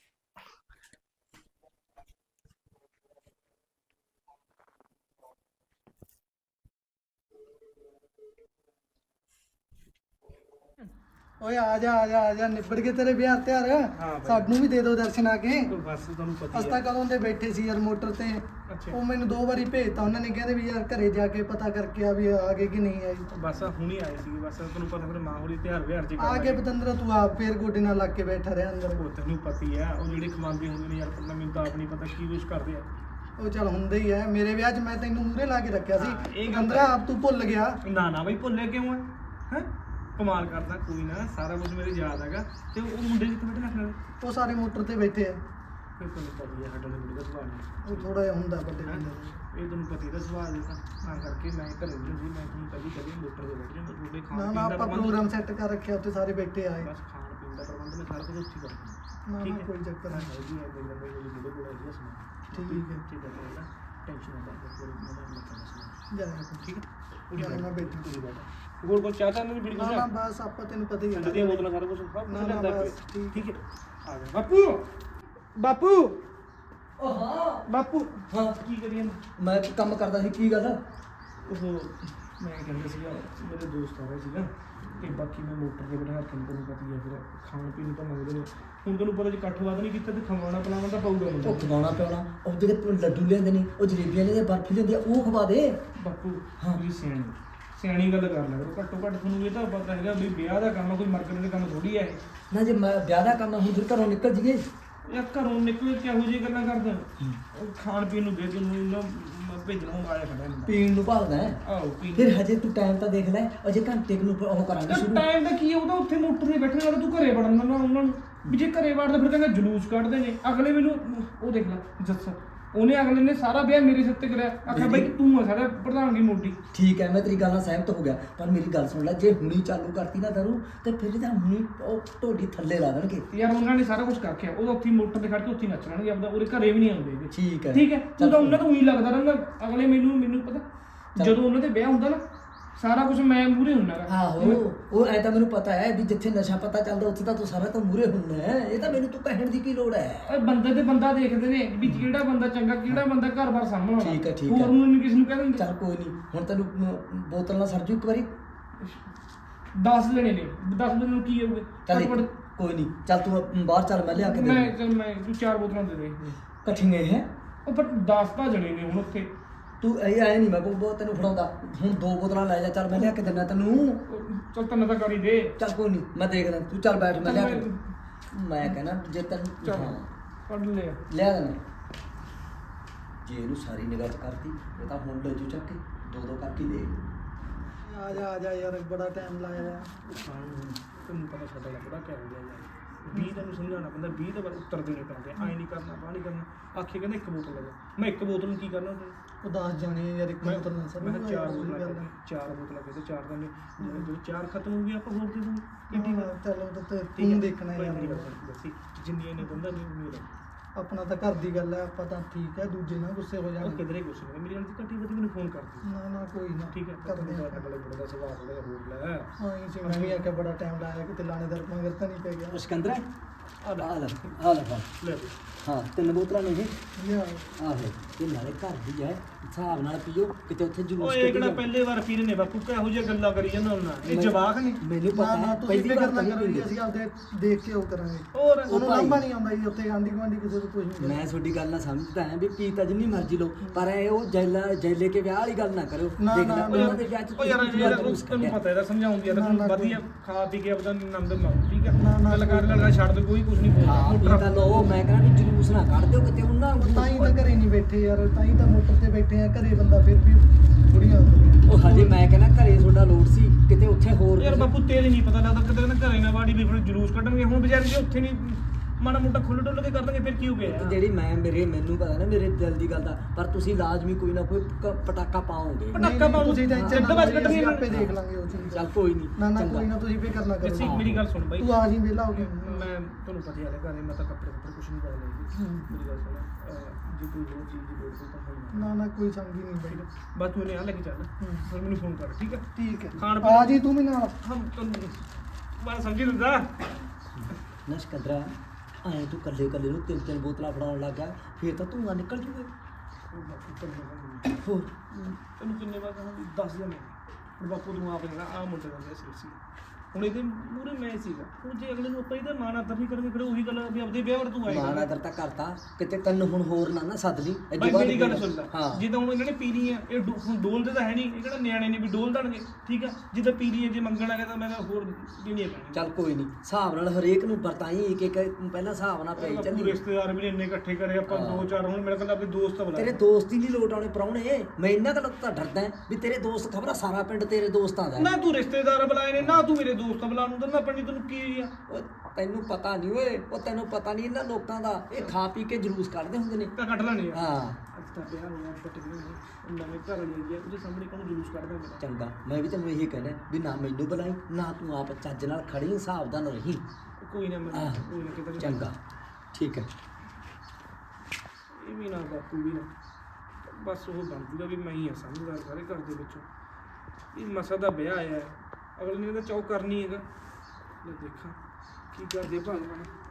ਓਏ ਆ ਜਾ ਆ ਜਾ ਆ ਜਾ, ਨਿਬੜ ਕੇ ਤੇਰੇ ਵਿਆਹ ਤਿਆਰ। ਸਾਨੂੰ ਵੀ ਦੇ ਦਿਓ ਦਰਸ਼ਨ ਆ ਕੇ। ਬਸ ਤੁਹਾਨੂੰ ਪਤਾ ਅਸੀਂ ਤਾਂ ਕਦੋਂ ਦੇ ਬੈਠੇ ਸੀ ਯਾਰ ਮੋਟਰ ਤੇ, ਉਹ ਮੈਨੂੰ 2 ਵਾਰੀ ਭੇਜਤਾ ਉਹਨਾਂ ਨੇ, ਕਹਿੰਦੇ ਵੀ ਯਾਰ ਘਰੇ ਜਾ ਕੇ ਪਤਾ ਕਰਕੇ ਆ ਵੀ ਆ ਗਏ ਕਿ ਨਹੀਂ ਆਈ। ਬਸ ਹੁਣੀ ਆਏ ਸੀਗੇ, ਬਸ ਤੁਹਾਨੂੰ ਪਤਾ ਫਿਰ ਮਾਂ ਹੋਰੀ ਤਿਉਹਾਰ ਵਿਹਾਰ ਜੀ ਆ ਕੇ ਪਤੰਦਰ ਤੂੰ ਆਪ ਫੇਰ ਗੋਡੇ ਨਾਲ ਲੱਗ ਕੇ ਬੈਠਾ ਰਿਹਾ ਅੰਦਰ। ਉਹ ਤੈਨੂੰ ਪਤੀ ਆ, ਉਹ ਜਿਹੜੇ ਖਵਾਉਂਦੇ ਹੁੰਦੇ ਨੇ ਯਾਰ, ਪਤਾ ਮੈਨੂੰ ਤਾਂ ਆਪ ਨਹੀਂ ਪਤਾ ਕੀ ਕੁਛ ਕਰਦੇ ਆ। ਉਹ ਚੱਲ ਹੁੰਦਾ ਹੀ ਹੈ, ਮੇਰੇ ਵਿਆਹ 'ਚ ਮੈਂ ਤੈਨੂੰ ਮੂਹਰੇ ਲਾ ਕੇ ਰੱਖਿਆ ਹਾਂ, ਸੀ ਇਹ ਗੱਲ ਕੰਦਰਾ ਆਪ ਤੂੰ ਭੁੱਲ ਗਿਆ। ਨਾ ਨਾ ਬਈ ਭੁੱਲੇ ਕਿਉਂ ਹੈ ਕਮਾਲ ਕਰਦਾ। ਕੋਈ ਨਾ, ਸਾਰਾ ਕੁਝ ਮੇਰੇ ਯਾਦ ਹੈਗਾ। ਤੇ ਉਹ ਮੁੰਡੇ ਕਿੱਥੇ ਬੈਠੇ ਰੱਖ ਲੈ? ਉਹ ਸਾਰੇ ਮੋਟਰ ਤੇ ਬੈਠੇ ਆ। ਫਿਰ ਤੁਹਾਨੂੰ ਪਤਾ ਹੀ ਹੈ ਸਾਡੇ ਮੁੰਡੇ ਦਾ ਸੁਭਾਅ ਨਹੀਂ। ਉਹ ਥੋੜਾ ਜਿਹਾ ਹੁੰਦਾ ਵੱਡੇ ਬੰਦੇ ਦਾ। ਇਹ ਤੁਹਾਨੂੰ ਪਤਾ ਹੀ ਦਾ ਸੁਭਾਅ ਦੇ ਤਾਂ ਕਰਕੇ ਮੈਂ ਘਰੇ ਨਹੀਂ ਸੀ। ਮੈਂ ਤੁਹਾਨੂੰ ਕਦੀ ਮੋਟਰ ਤੇ ਬੈਠ ਜਾਂਦਾ। ਤੁਹਾਡੇ ਖਾਣ ਨਾ ਪੀਣ ਨਾ ਦਾ ਆਪਾਂ ਪ੍ਰਬੰਧ ਪ੍ਰੋਗਰਾਮ ਸੈੱਟ ਕਰ ਰੱਖਿਆ, ਉੱਥੇ ਸਾਰੇ ਬੈਠੇ ਆਏ। ਬਸ ਖਾਣ ਪੀਣ ਦਾ ਪ੍ਰਬੰਧ ਮੈਂ ਸਾਰਾ ਕੁਝ ਉੱਥੇ ਕਰ ਦਿੰਦਾ। ਨਾ ਠੀਕ ਨਾ ਹੈ, ਕੋਈ ਚੱਕਰ ਨਹੀਂ। ਹੈਗੀ ਹੈ ਮੇਰੇ ਮੁੰਡੇ ਕੋਲ ਹੈਗੀ ਹੈ ਸਮਾਨ। ਠੀਕ ਹੈ ਠੀਕ ਹੈ, ਕੋਈ ਨਾ ਟੈਨਸ਼ਨ ਨਾ ਲੈ। ਕੋਈ ਨਾ ਮੈਂ ਕਰਦਾ ਸਮਾਨ। ਜਾ ਠੀਕ ਹੈ, ਜਾ ਮੈਂ ਬੈਠਾ। ਪੂਰੀ ਬਾਤ ਹੋਰ ਕੋਈ ਚਾਹ ਤਾਂ ਨਹੀਂ ਪੀਣੀ? ਨਾ ਨਾ ਬਸ ਆਪਾਂ ਤੈਨੂੰ ਪਤਾ ਹੀ ਹੈ। ਦੀਆਂ ਬੋਤਲਾਂ ਸਾਰਾ ਕੁਝ ਸਭ ਨਾ ਨਾ ਬਸ ਠੀਕ ਹੈ। ਆ ਜਾ ਬਾਪੂ। ਬਾਪੂ ਉਹ ਹਾਂ ਬਾਪੂ ਹਾਂ ਕੀ ਕਰੀਏ? ਮੈਂ ਕੰਮ ਕਰਦਾ ਸੀ, ਕੀ ਗੱਲ? ਉਹ ਮੈਂ ਕਹਿੰਦਾ ਸੀਗਾ ਮੇਰੇ ਦੋਸਤ ਆ ਰਹੇ ਸੀਗਾ ਤੇ ਬਾਕੀ ਮੈਂ ਮੋਟਰ ਤੇ ਬਿਠਾ ਕੇ ਤੁਹਾਨੂੰ ਪਤਾ ਹੀ ਹੈ ਫਿਰ ਖਾਣ ਪੀਣ ਨੂੰ ਤਾਂ ਮੰਗਦੇ ਨੇ। ਹੁਣ ਤੁਹਾਨੂੰ ਪਤਾ ਜੇ ਇਕੱਠ ਵੱਧ ਨਹੀਂ ਕੀਤਾ ਤੇ ਖਵਾਉਣਾ ਪਿਲਾਉਣਾ ਤਾਂ ਪਊਗਾ ਮੈਨੂੰ। ਉਹ ਖਵਾਉਣਾ ਪਿਆਉਣਾ, ਉਹ ਜਿਹੜੇ ਲੱਡੂ ਲਿਆਂਦੇ ਨੇ, ਉਹ ਜਲੇਬੀਆਂ ਨੇ, ਬਰਫੀ ਲਿਆਂਦੀ ਆ, ਉਹ ਖਵਾ ਦੇ। ਬਾਪੂ ਤੁਸੀਂ ਸਿਆਣੀ ਗੱਲ ਕਰ ਲਿਆ ਕਰੋ। ਘੱਟੋ ਘੱਟ ਤੁਹਾਨੂੰ ਇਹ ਤਾਂ ਪਤਾ ਹੈਗਾ ਵੀ ਵਿਆਹ ਦਾ ਕੰਮ ਕੋਈ ਮਰਕਟ ਦੇ ਕੰਮ ਥੋੜੀ ਹੈ ਇਹ। ਨਾ ਜੇ ਮੈਂ ਵਿਆਹ ਦਾ ਕੰਮ ਹੁਣ ਫਿਰ ਘਰੋਂ ਨਿਕਲ ਜੀਏ। ਯਾਰ ਘਰੋਂ ਨਿਕਲ ਕਿਹੋ ਜਿਹੀ ਗੱਲਾਂ ਕਰਦਾ? ਉਹ ਖਾਣ ਪੀਣ ਨੂੰ ਦੇ ਤੈਨੂੰ ਨਾ ਭੇਜਣਾ ਹੁਣ ਆਇਆ ਖੜਾ ਹੁੰਦਾ। ਪੀਣ ਨੂੰ ਭਾਲਦਾ ਹੈ। ਆਹੋ ਪੀਣ ਫਿਰ ਹਜੇ ਤੂੰ ਟਾਈਮ ਤਾਂ ਦੇਖ ਲੈ, ਅਜੇ ਘੰਟੇ ਕੁ ਨੂੰ ਉਹ ਕਰਾਂਗੇ ਸ਼ੁਰੂ। ਟਾਈਮ ਦਾ ਕੀ ਹੈ? ਉਹਦਾ ਉੱਥੇ ਮੋਟਰ ਤੇ ਬੈਠਣ ਵਾਲਾ, ਤੂੰ ਘਰੇ ਵੜਨ ਦਾ ਉਹਨਾਂ ਨੂੰ ਵੀ ਜੇ ਘਰੇ ਵੜਦਾ ਫਿਰ ਕਹਿੰਦਾ ਜਲੂਸ ਕੱਢਦੇ ਨੇ ਅਗਲੇ। ਮੈਨੂੰ ਉਹ ਦੇਖ ਲੈ ਜੱਸਾ, ਉਹਨੇ ਅਗਲੇ ਨੇ ਸਾਰਾ ਵਿਆਹ ਮੇਰੇ ਸਿਰ ਤੇ ਕਰਿਆ। ਆਖਿਆ ਬਈ ਤੂੰ ਆ ਸਾਡਾ ਪ੍ਰਧਾਨਗੀ ਮੋਢੀ। ਠੀਕ ਹੈ, ਮੈਂ ਤੇਰੀ ਗੱਲ ਨਾਲ ਸਹਿਮਤ ਹੋ ਗਿਆ, ਪਰ ਮੇਰੀ ਗੱਲ ਸੁਣ ਲੈ, ਜੇ ਹੁਣੀ ਚਾਲੂ ਕਰਤੀ ਨਾ ਦਾਰੂ ਤੇ ਫਿਰ ਇਹਦਾ ਹੁਣੀ ਉਹ ਢੋਡੀ ਥੱਲੇ ਲਾ ਦੇਣਗੇ। ਯਾਰ ਉਹਨਾਂ ਨੇ ਸਾਰਾ ਕੁਝ ਕਰਕੇ ਉਹਦਾ ਉੱਥੇ ਮੋਟਰ ਤੇ ਖੜ ਕੇ ਉੱਥੇ ਨੱਚ ਲੈਣਗੇ ਆਪਦਾ। ਉਹਦੇ ਘਰੇ ਵੀ ਨਹੀਂ ਆਉਂਦੇ ਹੈਗੇ। ਠੀਕ ਹੈ ਠੀਕ ਹੈ, ਤੂੰ ਤਾਂ ਉਹਨਾਂ ਤੋਂ ਉਹੀ ਲੱਗਦਾ ਰਹਿੰਦਾ ਅਗਲੇ। ਮੈਨੂੰ ਪਤਾ ਜਦੋਂ ਉਹਨਾਂ ਦੇ ਵਿਆਹ ਹੁੰਦਾ ਨਾ ਸਾਰਾ ਕੁਝ ਮੈਂ ਮੂਹਰੇ ਹੁੰਨਾ ਗਾ। ਆਹੋ ਉਹ ਐ ਤਾਂ ਮੈਨੂੰ ਪਤਾ ਹੈ ਵੀ ਜਿੱਥੇ ਨਸ਼ਾ ਪਤਾ ਚੱਲਦਾ ਉੱਥੇ ਤਾਂ ਤੂੰ ਸਾਰਾ ਤਾਂ ਮੂਹਰੇ ਹੁੰਦਾ ਹੈ। ਇਹ ਤਾਂ ਮੈਨੂੰ ਤੂੰ ਕਹਿਣ ਦੀ ਕੀ ਲੋੜ ਹੈ? ਓਏ ਬੰਦੇ ਤੇ ਬੰਦਾ ਦੇਖਦੇ ਨੇ ਵੀ ਕਿਹੜਾ ਬੰਦਾ ਚੰਗਾ, ਕਿਹੜਾ ਬੰਦਾ ਘਰ-ਬਾਰ ਸਾਂਭਣ ਵਾਲਾ। ਠੀਕ ਹੈ ਹੋਰ ਨੂੰ ਨਹੀਂ ਕਿਸੇ ਨੂੰ ਕਹਿ ਦਿੰਦੇ। ਚੱਲ ਕੋਈ ਨਹੀਂ, ਹੁਣ ਤੈਨੂੰ ਬੋਤਲ ਨਾਲ ਸਰਜੂ ਇੱਕ ਵਾਰੀ 10 ਲੈਣੇ ਨੇ। 10 ਦਿਨ ਨੂੰ ਕੀ ਹੋਊਗਾ? ਚੱਲ ਕੋਈ ਨਹੀਂ, ਚੱਲ ਤੂੰ ਬਾਹਰ ਚੱਲ, ਮੈਂ ਲਿਆ ਕੇ ਦੇ ਮੈਂ ਤੂੰ 4 ਬੋਤਲਾਂ ਦੇ ਦੇ ਇਕੱਠੀਆਂ ਹੈ। ਉਹ ਪਰ 10 ਤਾਂ ਜਣੇ ਨੇ ਹੁਣ ਉੱਥੇ। ਤੂੰ ਇਹ ਆਏ ਨਹੀਂ, ਮੈਂ ਬਹੁਤ ਤੈਨੂੰ ਫੜਾਉਂਦਾ। ਹੁਣ 2 ਬੋਤਲਾਂ ਲੈ ਜਾ, ਚੱਲ ਮੈਂ ਲਿਆ ਕੇ ਦਿੰਦਾ ਤੈਨੂੰ। ਚੱਲ ਤੈਨੂੰ ਤਾਂ ਕਰੀ ਦੇ। ਚੱਲ ਕੋਈ ਨਹੀਂ, ਮੈਂ ਦੇਖਦਾ, ਤੂੰ ਚੱਲ ਬੈਠ, ਮੈਂ ਲਿਆ ਕੇ। ਮੈਂ ਕਹਿੰਦਾ ਜੇ ਤੈਨੂੰ ਪੜ ਲਿਆ ਲਿਆ ਦੇਣਾ। ਜੇ ਇਹਨੂੰ ਸਾਰੀ ਨਿਗਾਹ ਚ ਕਰਤੀ ਇਹ ਤਾਂ ਹੁਣ ਲੈ ਜੂ ਚੱਕ ਕੇ 2-2 ਕਰਕੇ ਦੇ। ਆ ਜਾ ਯਾਰ, ਬੜਾ ਟਾਈਮ ਲਾਇਆ ਯਾਰ। ਤੈਨੂੰ ਪਤਾ ਸਾਡਾ ਲੱਗਦਾ ਕਿਆ ਹੋ ਗਿਆ ਯਾਰ। 20 ਤੈਨੂੰ ਸਮਝਾਉਣਾ ਪੈਂਦਾ, 20 ਤਾਂ ਬਾਅਦ ਉੱਤਰ ਦੇਣੇ ਪੈਂਦੇ। ਐਂ ਨਹੀਂ ਕਰਨਾ, ਬਾਹ ਨਹੀਂ ਕਰਨਾ। ਆਖੇ ਕਹਿੰਦਾ 1 ਬੋਤਲ ਲੈ ਜਾ। ਮੈਂ 1 ਬੋਤਲ ਨੂੰ ਕੀ ਕਰਨਾ? ਉਹ 10 ਜਾਣੇ ਯਾਰ, ਇੱਕ ਬੋਤਲ ਨਾਲ ਸਭ ਮੈਂ 4 ਬੋਤਲਾਂ ਕਹਿੰਦਾ 4 ਬੋਤਲਾਂ ਕਹਿੰਦੇ 4 ਤਾਂ ਜਦੋਂ 4 ਖਤਮ ਹੋ ਗਈ ਆਪਾਂ ਹੋਰ ਦੇ ਦੂੰਗੇ। ਚਲੋ ਤੇ ਤੂੰ ਦੇਖਣਾ ਯਾਰ। ਜਿੰਨੀਆਂ ਨੇ ਬੰਦਾ ਨਹੀਂ ਮੇਰਾ ਆਪਣਾ ਤਾਂ ਘਰ ਦੀ ਗੱਲ ਹੈ, ਆਪਾਂ ਤਾਂ ਠੀਕ ਹੈ, ਦੂਜੇ ਨਾਲ ਗੁੱਸੇ ਹੋ ਉਹ ਜਾਣਗੇ। ਕਿਧਰੇ ਗੁੱਸੇ ਨਹੀਂ। ਮੇਰੀ ਗੱਲ ਦੀ ਘੱਟੀ ਵੱਧ ਮੈਨੂੰ ਫੋਨ ਕਰ ਦੇ। ਨਾ ਕੋਈ ਨਾ, ਠੀਕ ਹੈ, ਕਰਦੇ ਹਾਂ। ਅਗਲੇ ਬੜੇ ਦਾ ਸੁਭਾਅ ਥੋੜਾ ਜਿਹਾ ਹੋਰ ਲੈ। ਹਾਂ ਇਹ ਚ ਮੈਂ ਵੀ ਆਖਿਆ ਬੜਾ ਟਾਈਮ ਲਾਇਆ, ਕਿਤੇ ਲਾਣੇਦਾਰ ਮਗਰ ਤਾਂ ਨਹੀਂ ਪੈ ਗਿਆ। ਸਿਕੰਦਰ ਆ ਲੈ ਲੈ ਦੇ। ਹਾਂ 3 ਬੋਤਲਾਂ ਨੇ ਇਹ। ਲਿਆ ਆਹੋ ਇਹ ਨਾਲੇ ਘਰ ਦੀ ਹੈ, ਹਿਸਾਬ ਨਾਲ ਪੀਓ, ਕਿਤੇ ਉੱਥੇ ਜਲੂਸ ਓਏ ਇਹ ਕਿਹੜਾ ਪਹਿਲੇ ਵਾਰ ਪੀ ਰਹੇ ਨੇ ਬਾਪੂ? ਕਿਹੋ ਜਿਹੀਆਂ ਗੱਲਾਂ ਕਰੀ ਜਾਂਦਾ ਹੁੰਦਾ? ਇਹ ਜਵਾਕ ਨੇ। ਮੈਨੂੰ ਪਤਾ ਹੈ ਤੁਸੀਂ ਪਹਿਲੀ ਫਿਕਰ ਵਾਰ ਨਾ ਤਾਂ ਕਰੋ ਨਹੀਂ ਜੀ, ਅਸੀਂ ਆਪਦੇ ਦੇਖ ਕੇ ਉਹ ਕਰਾਂਗੇ। ਹੋਰ ਉਹਨੂੰ ਲਾਂਭਾ ਨਹੀਂ ਆਉਂਦਾ ਜੀ ਉੱਥੇ ਆਂਢੀ ਗੁਆਂਢੀ ਕਿਸੇ ਤੋਂ ਕੁਝ ਨਹੀਂ। ਮੈਂ ਤੁਹਾਡੀ ਗੱਲ ਨਾਲ ਸਮਝਦਾ ਹਾਂ ਵੀ ਪੀ ਤਾਂ ਜਿੰਨੀ ਮਰਜ਼ੀ ਲਓ, ਪਰ ਇਹ ਉਹ ਜੈਲੇ ਕੇ ਵਿਆਹ ਵਾਲੀ ਗੱਲ ਨਾ ਕਰੋ। ਦੇਖਦਾ ਉਹਨਾਂ ਦੇ ਵਿਆਹ ਚ ਉਹ ਯਾਰ ਤੈਨੂੰ ਪਤਾ ਇਹਦਾ ਸਮਝਾਉਂਦੀ ਆ ਤਾਂ ਵਧੀਆ ਖਾ ਪੀ ਕੇ ਆਪਦਾ ਆਨੰਦ ਮਾਣੋ। ਠੀਕ ਹੈ, ਗੱਲ ਕਰ ਲਗਾ ਛੱਡ ਦੇ, ਕੋਈ ਕੁਝ ਨਹੀਂ ਬੋਲਦਾ। ਤਾਂ ਲਓ, ਮੈਂ ਕਹਿੰਦਾ ਵੀ ਜਲੂਸ ਨਾ ਕੱਢ ਦਿਓ ਕਿਤੇ ਉਹਨਾਂ ਤਾਂ ਹੀ ਤਾਂ ਘਰੇ ਨਹੀਂ ਬੈਠੇ ਯਾਰ, ਤਾਂ ਹੀ ਤਾਂ ਮੋਟਰ ਤੇ ਬੈਠੇ ਆ। ਘਰੇ ਬੰਦਾ ਫਿਰ ਵੀ ਥੋੜੀਆਂ ਉਹ ਹਜੇ ਮੈਂ ਕਹਿੰਦਾ ਘਰੇ ਤੁਹਾਡਾ ਲੋੜ ਸੀ, ਕਿਤੇ ਉੱਥੇ ਹੋਰ ਯਾਰ ਬਾਪੂ ਤੇਰੇ ਨਹੀਂ ਪਤਾ ਲੱਗਦਾ, ਕਿਤੇ ਕਹਿੰਦਾ ਘਰੇ ਨਾ ਬਾੜੀ ਵੀ ਫਿਰ ਜਲੂਸ ਕੱਢਣਗੇ। ਹੁਣ ਵਿਚਾਰੇ ਜੇ ਉੱਥੇ ਨਹੀਂ ਮਾੜਾ ਮੋਟਾ ਖੁੱਲ ਡੁੱਲ ਕੇ ਕਰ ਦਾਂਗੇ ਫਿਰ ਕੀ ਹੋ ਗਿਆ? ਜਿਹੜੀ ਮੈਨੂੰ ਪਤਾ ਨਾ ਮੇਰੇ ਦਿਲ ਦੀ ਗੱਲ ਦਾ, ਪਰ ਤੁਸੀਂ ਲਾਜ਼ਮੀ ਕੋਈ ਨਾ ਕੋਈ ਪਟਾਕਾ ਪਾਓਗੇ। ਪਟਾਕਾ ਪਾਓ ਤੁਸੀਂ ਟੈਨਸ਼ਨ ਨਾ ਲਓ, ਅਸੀਂ ਆਪੇ ਦੇਖ ਲਾਂਗੇ ਉਹ ਚੀਜ਼। ਚੱਲ ਕੋਈ ਨਹੀਂ, ਨਾ ਕੋਈ ਨਾ, ਤੁਸੀਂ ਫਿਕਰ ਨਾ ਕਰੋ। ਮੇਰੀ ਗੱਲ ਸੁਣ ਬਾਈ, ਤੂੰ ਆ ਜੀ ਵਿਹਲਾ ਹੋ ਗਿਆ। ਮੈਂ ਤੁਹਾਨੂੰ ਪਤਾ ਹੀ ਹੈ ਘਰੇ ਮੈਂ ਤਾਂ ਕੱਪੜੇ ਕੁਝ ਨਹੀਂ ਪਾਉਣੇ। ਮੇਰੀ ਗੱਲ ਸੁਣ, ਜੇ ਕੋਈ ਹੋਰ ਚੀਜ਼ ਦੀ ਲੋੜ ਹੋਈ ਤਾਂ ਨਾ ਕੋਈ ਸੰਗੀ ਨਹੀਂ ਬਾਈ। ਬਸ ਤੂੰ ਇਹਨੇ ਆ ਲੈ ਕੇ ਚੱਲ, ਫਿਰ ਮੈਨੂੰ ਫੋਨ ਕਰ। ਠੀਕ ਹੈ ਠੀਕ ਹੈ, ਖਾਣ ਆ ਜੀ ਤੂੰ ਵੀ ਨਾਲ। ਮੈਂ ਸਮਝੀ ਦਿੰਦਾ ਨਾ ਸਿਕੰਦਰਾ, ਐਂ ਤੂੰ ਕੱਲੇ ਨੂੰ 3 ਬੋਤਲਾਂ ਫੜਾਉਣ ਲੱਗਾ, ਫਿਰ ਤਾਂ ਧੂੰਆਂ ਨਿਕਲ ਜੂਗਾ। ਹੋਰ ਤੈਨੂੰ ਕਿੰਨੇ ਵਾਰ ਕਹਾਂ 10 ਜਣੇ। ਹੁਣ ਬਾਪੂ ਤੂੰ ਆਪ ਕਹਿੰਦਾ ਆ ਮੁੰਡੇ ਦਾ ਵਿਆਹ ਸੀ। ਹੁਣ ਇਹਦੇ ਮੂਹਰੇ ਮੈਂ ਸੀਗਾ, ਹੁਣ ਜੇ ਅਗਲੇ ਨੂੰ ਆਪਾਂ ਇਹਦਾ ਮਾਣ ਆਦਰ ਨਹੀਂ ਕਰਾਂਗੇ ਫਿਰ ਉਹੀ ਗੱਲ ਵੀ ਆਪਦੇ ਵਿਆਹ ਵਰ ਤੂੰ ਆਏਗਾ। ਮਾਣ ਆਦਰ ਤਾਂ ਕਰਤਾ, ਕਿਤੇ ਤੈਨੂੰ ਹੁਣ ਹੋਰ ਨਾ ਸੱਦ ਲਈ ਬਾਈ ਮੇਰੀ ਗੱਲ ਸੁਣ ਲੈ, ਹਾਂ ਜਿੱਦਾਂ ਹੁਣ ਇਹਨਾਂ ਨੇ ਪੀ ਲਈ ਆ ਇਹ ਹੁਣ ਡੋਲਦੇ ਤਾਂ ਹੈ ਨਹੀਂ, ਇਹ ਕਿਹੜਾ ਨਿਆਣੇ ਨੇ ਵੀ ਡੋਲ ਦੇਣਗੇ, ਠੀਕ ਆ, ਜਿੱਦਾਂ ਪੀ ਲਈ ਜੇ ਮੰਗਣ ਆ ਤਾਂ ਮੈਂ ਤਾਂ ਹੋਰ ਦੇਣੀ ਪੈਣੀ। ਚੱਲ ਕੋਈ ਨਹੀਂ, ਹਿਸਾਬ ਨਾਲ ਹਰੇਕ ਨੂੰ ਵਰਤਾਈ ਇੱਕ ਇੱਕ ਪਹਿਲਾਂ ਹਿਸਾਬ ਨਾਲ ਪਈ ਚੱਲੀ। ਰਿਸ਼ਤੇਦਾਰ ਵੀ ਇੰਨੇ ਇਕੱਠੇ ਕਰੇ ਆਪਾਂ 2-4 ਹੁਣ ਮੇਰੇ ਕੋਲ ਆਪਣੇ ਦੋਸਤ ਬੁਲਾ ਤੇਰੇ ਦੋਸਤ ਹੀ ਨਹੀਂ ਲੋਟ ਆਉਣੇ ਪ੍ਰਾਹੁਣੇ, ਮੈਂ ਇਹਨਾਂ ਗੱਲੋਂ ਤਾਂ ਡਰਦਾ ਵੀ ਤੇਰੇ ਦੋਸਤ ਖਬਰਾਂ ਸਾਰਾ ਪਿੰਡ ਤੇਰੇ ਦੋਸਤਾਂ ਦਾ। ਨਾ ਤੂੰ ਰਿਸ਼ਤੇਦਾਰ ਬੁਲਾਏ ਨੇ ਨਾ ਤੂੰ ਮੇਰੇ ਦੋਸਤ ਬੁਲਾ ਨੂੰ ਤਾਂ ਆਪਣੀ ਤੈਨੂੰ ਕੀ ਆ। ਤੈਨੂੰ ਪਤਾ ਨਹੀਂ ਓਏ, ਉਹ ਤੈਨੂੰ ਪਤਾ ਨਹੀਂ ਇਹਨਾਂ ਲੋਕਾਂ ਦਾ, ਇਹ ਖਾ ਪੀ ਕੇ ਜਲੂਸ ਕੱਢਦੇ ਹੁੰਦੇ ਨੇ। ਤਾਂ ਕੱਢ ਲੈਣੇ ਆ। ਹਾਂ ਅੱਜ ਤਾਂ ਵਿਆਹ ਹੋਇਆ ਪਟ ਗਏ ਨਵੇਂ ਘਰ ਵਾਲੀ ਆ, ਉਹਦੇ ਸਾਹਮਣੇ ਕੋਣ ਜਲੂਸ ਕੱਢਦਾ ਮੇਰਾ। ਚੰਗਾ, ਮੈਂ ਵੀ ਤੈਨੂੰ ਇਹੀ ਕਹਿਣਾ ਵੀ ਨਾ ਮੈਨੂੰ ਬੁਲਾਈ ਨਾ ਤੂੰ ਆਪ ਚੱਜ ਨਾਲ ਖੜੀ ਹਿਸਾਬਦਾਰ ਰਹੀ। ਕੋਈ ਨਾ ਮੈਂ ਕੋਈ ਨਾ ਕਿਤੇ ਚੰਗਾ ਠੀਕ ਹੈ। ਇਹ ਵੀ ਨਾ ਬਾਪੂ ਵੀ ਨਾ, ਬਸ ਉਹ ਬਣ ਜੂਗਾ ਵੀ ਮੈਂ ਹੀ ਆ ਸਮਝਦਾਰ ਸਾਰੇ ਘਰ ਦੇ ਵਿੱਚੋਂ। ਇਹ ਮਸਾ ਦਾ ਵਿਆਹ ਆਇਆ ਹੈ, ਅਗਲੇ ਨੇ ਤਾਂ ਚੌਕ ਕਰਨੀ ਹੈਗਾ। ਲੈ ਦੇਖਾਂ ਕੀ ਕਰਦੇ ਭਗਵਾਨ।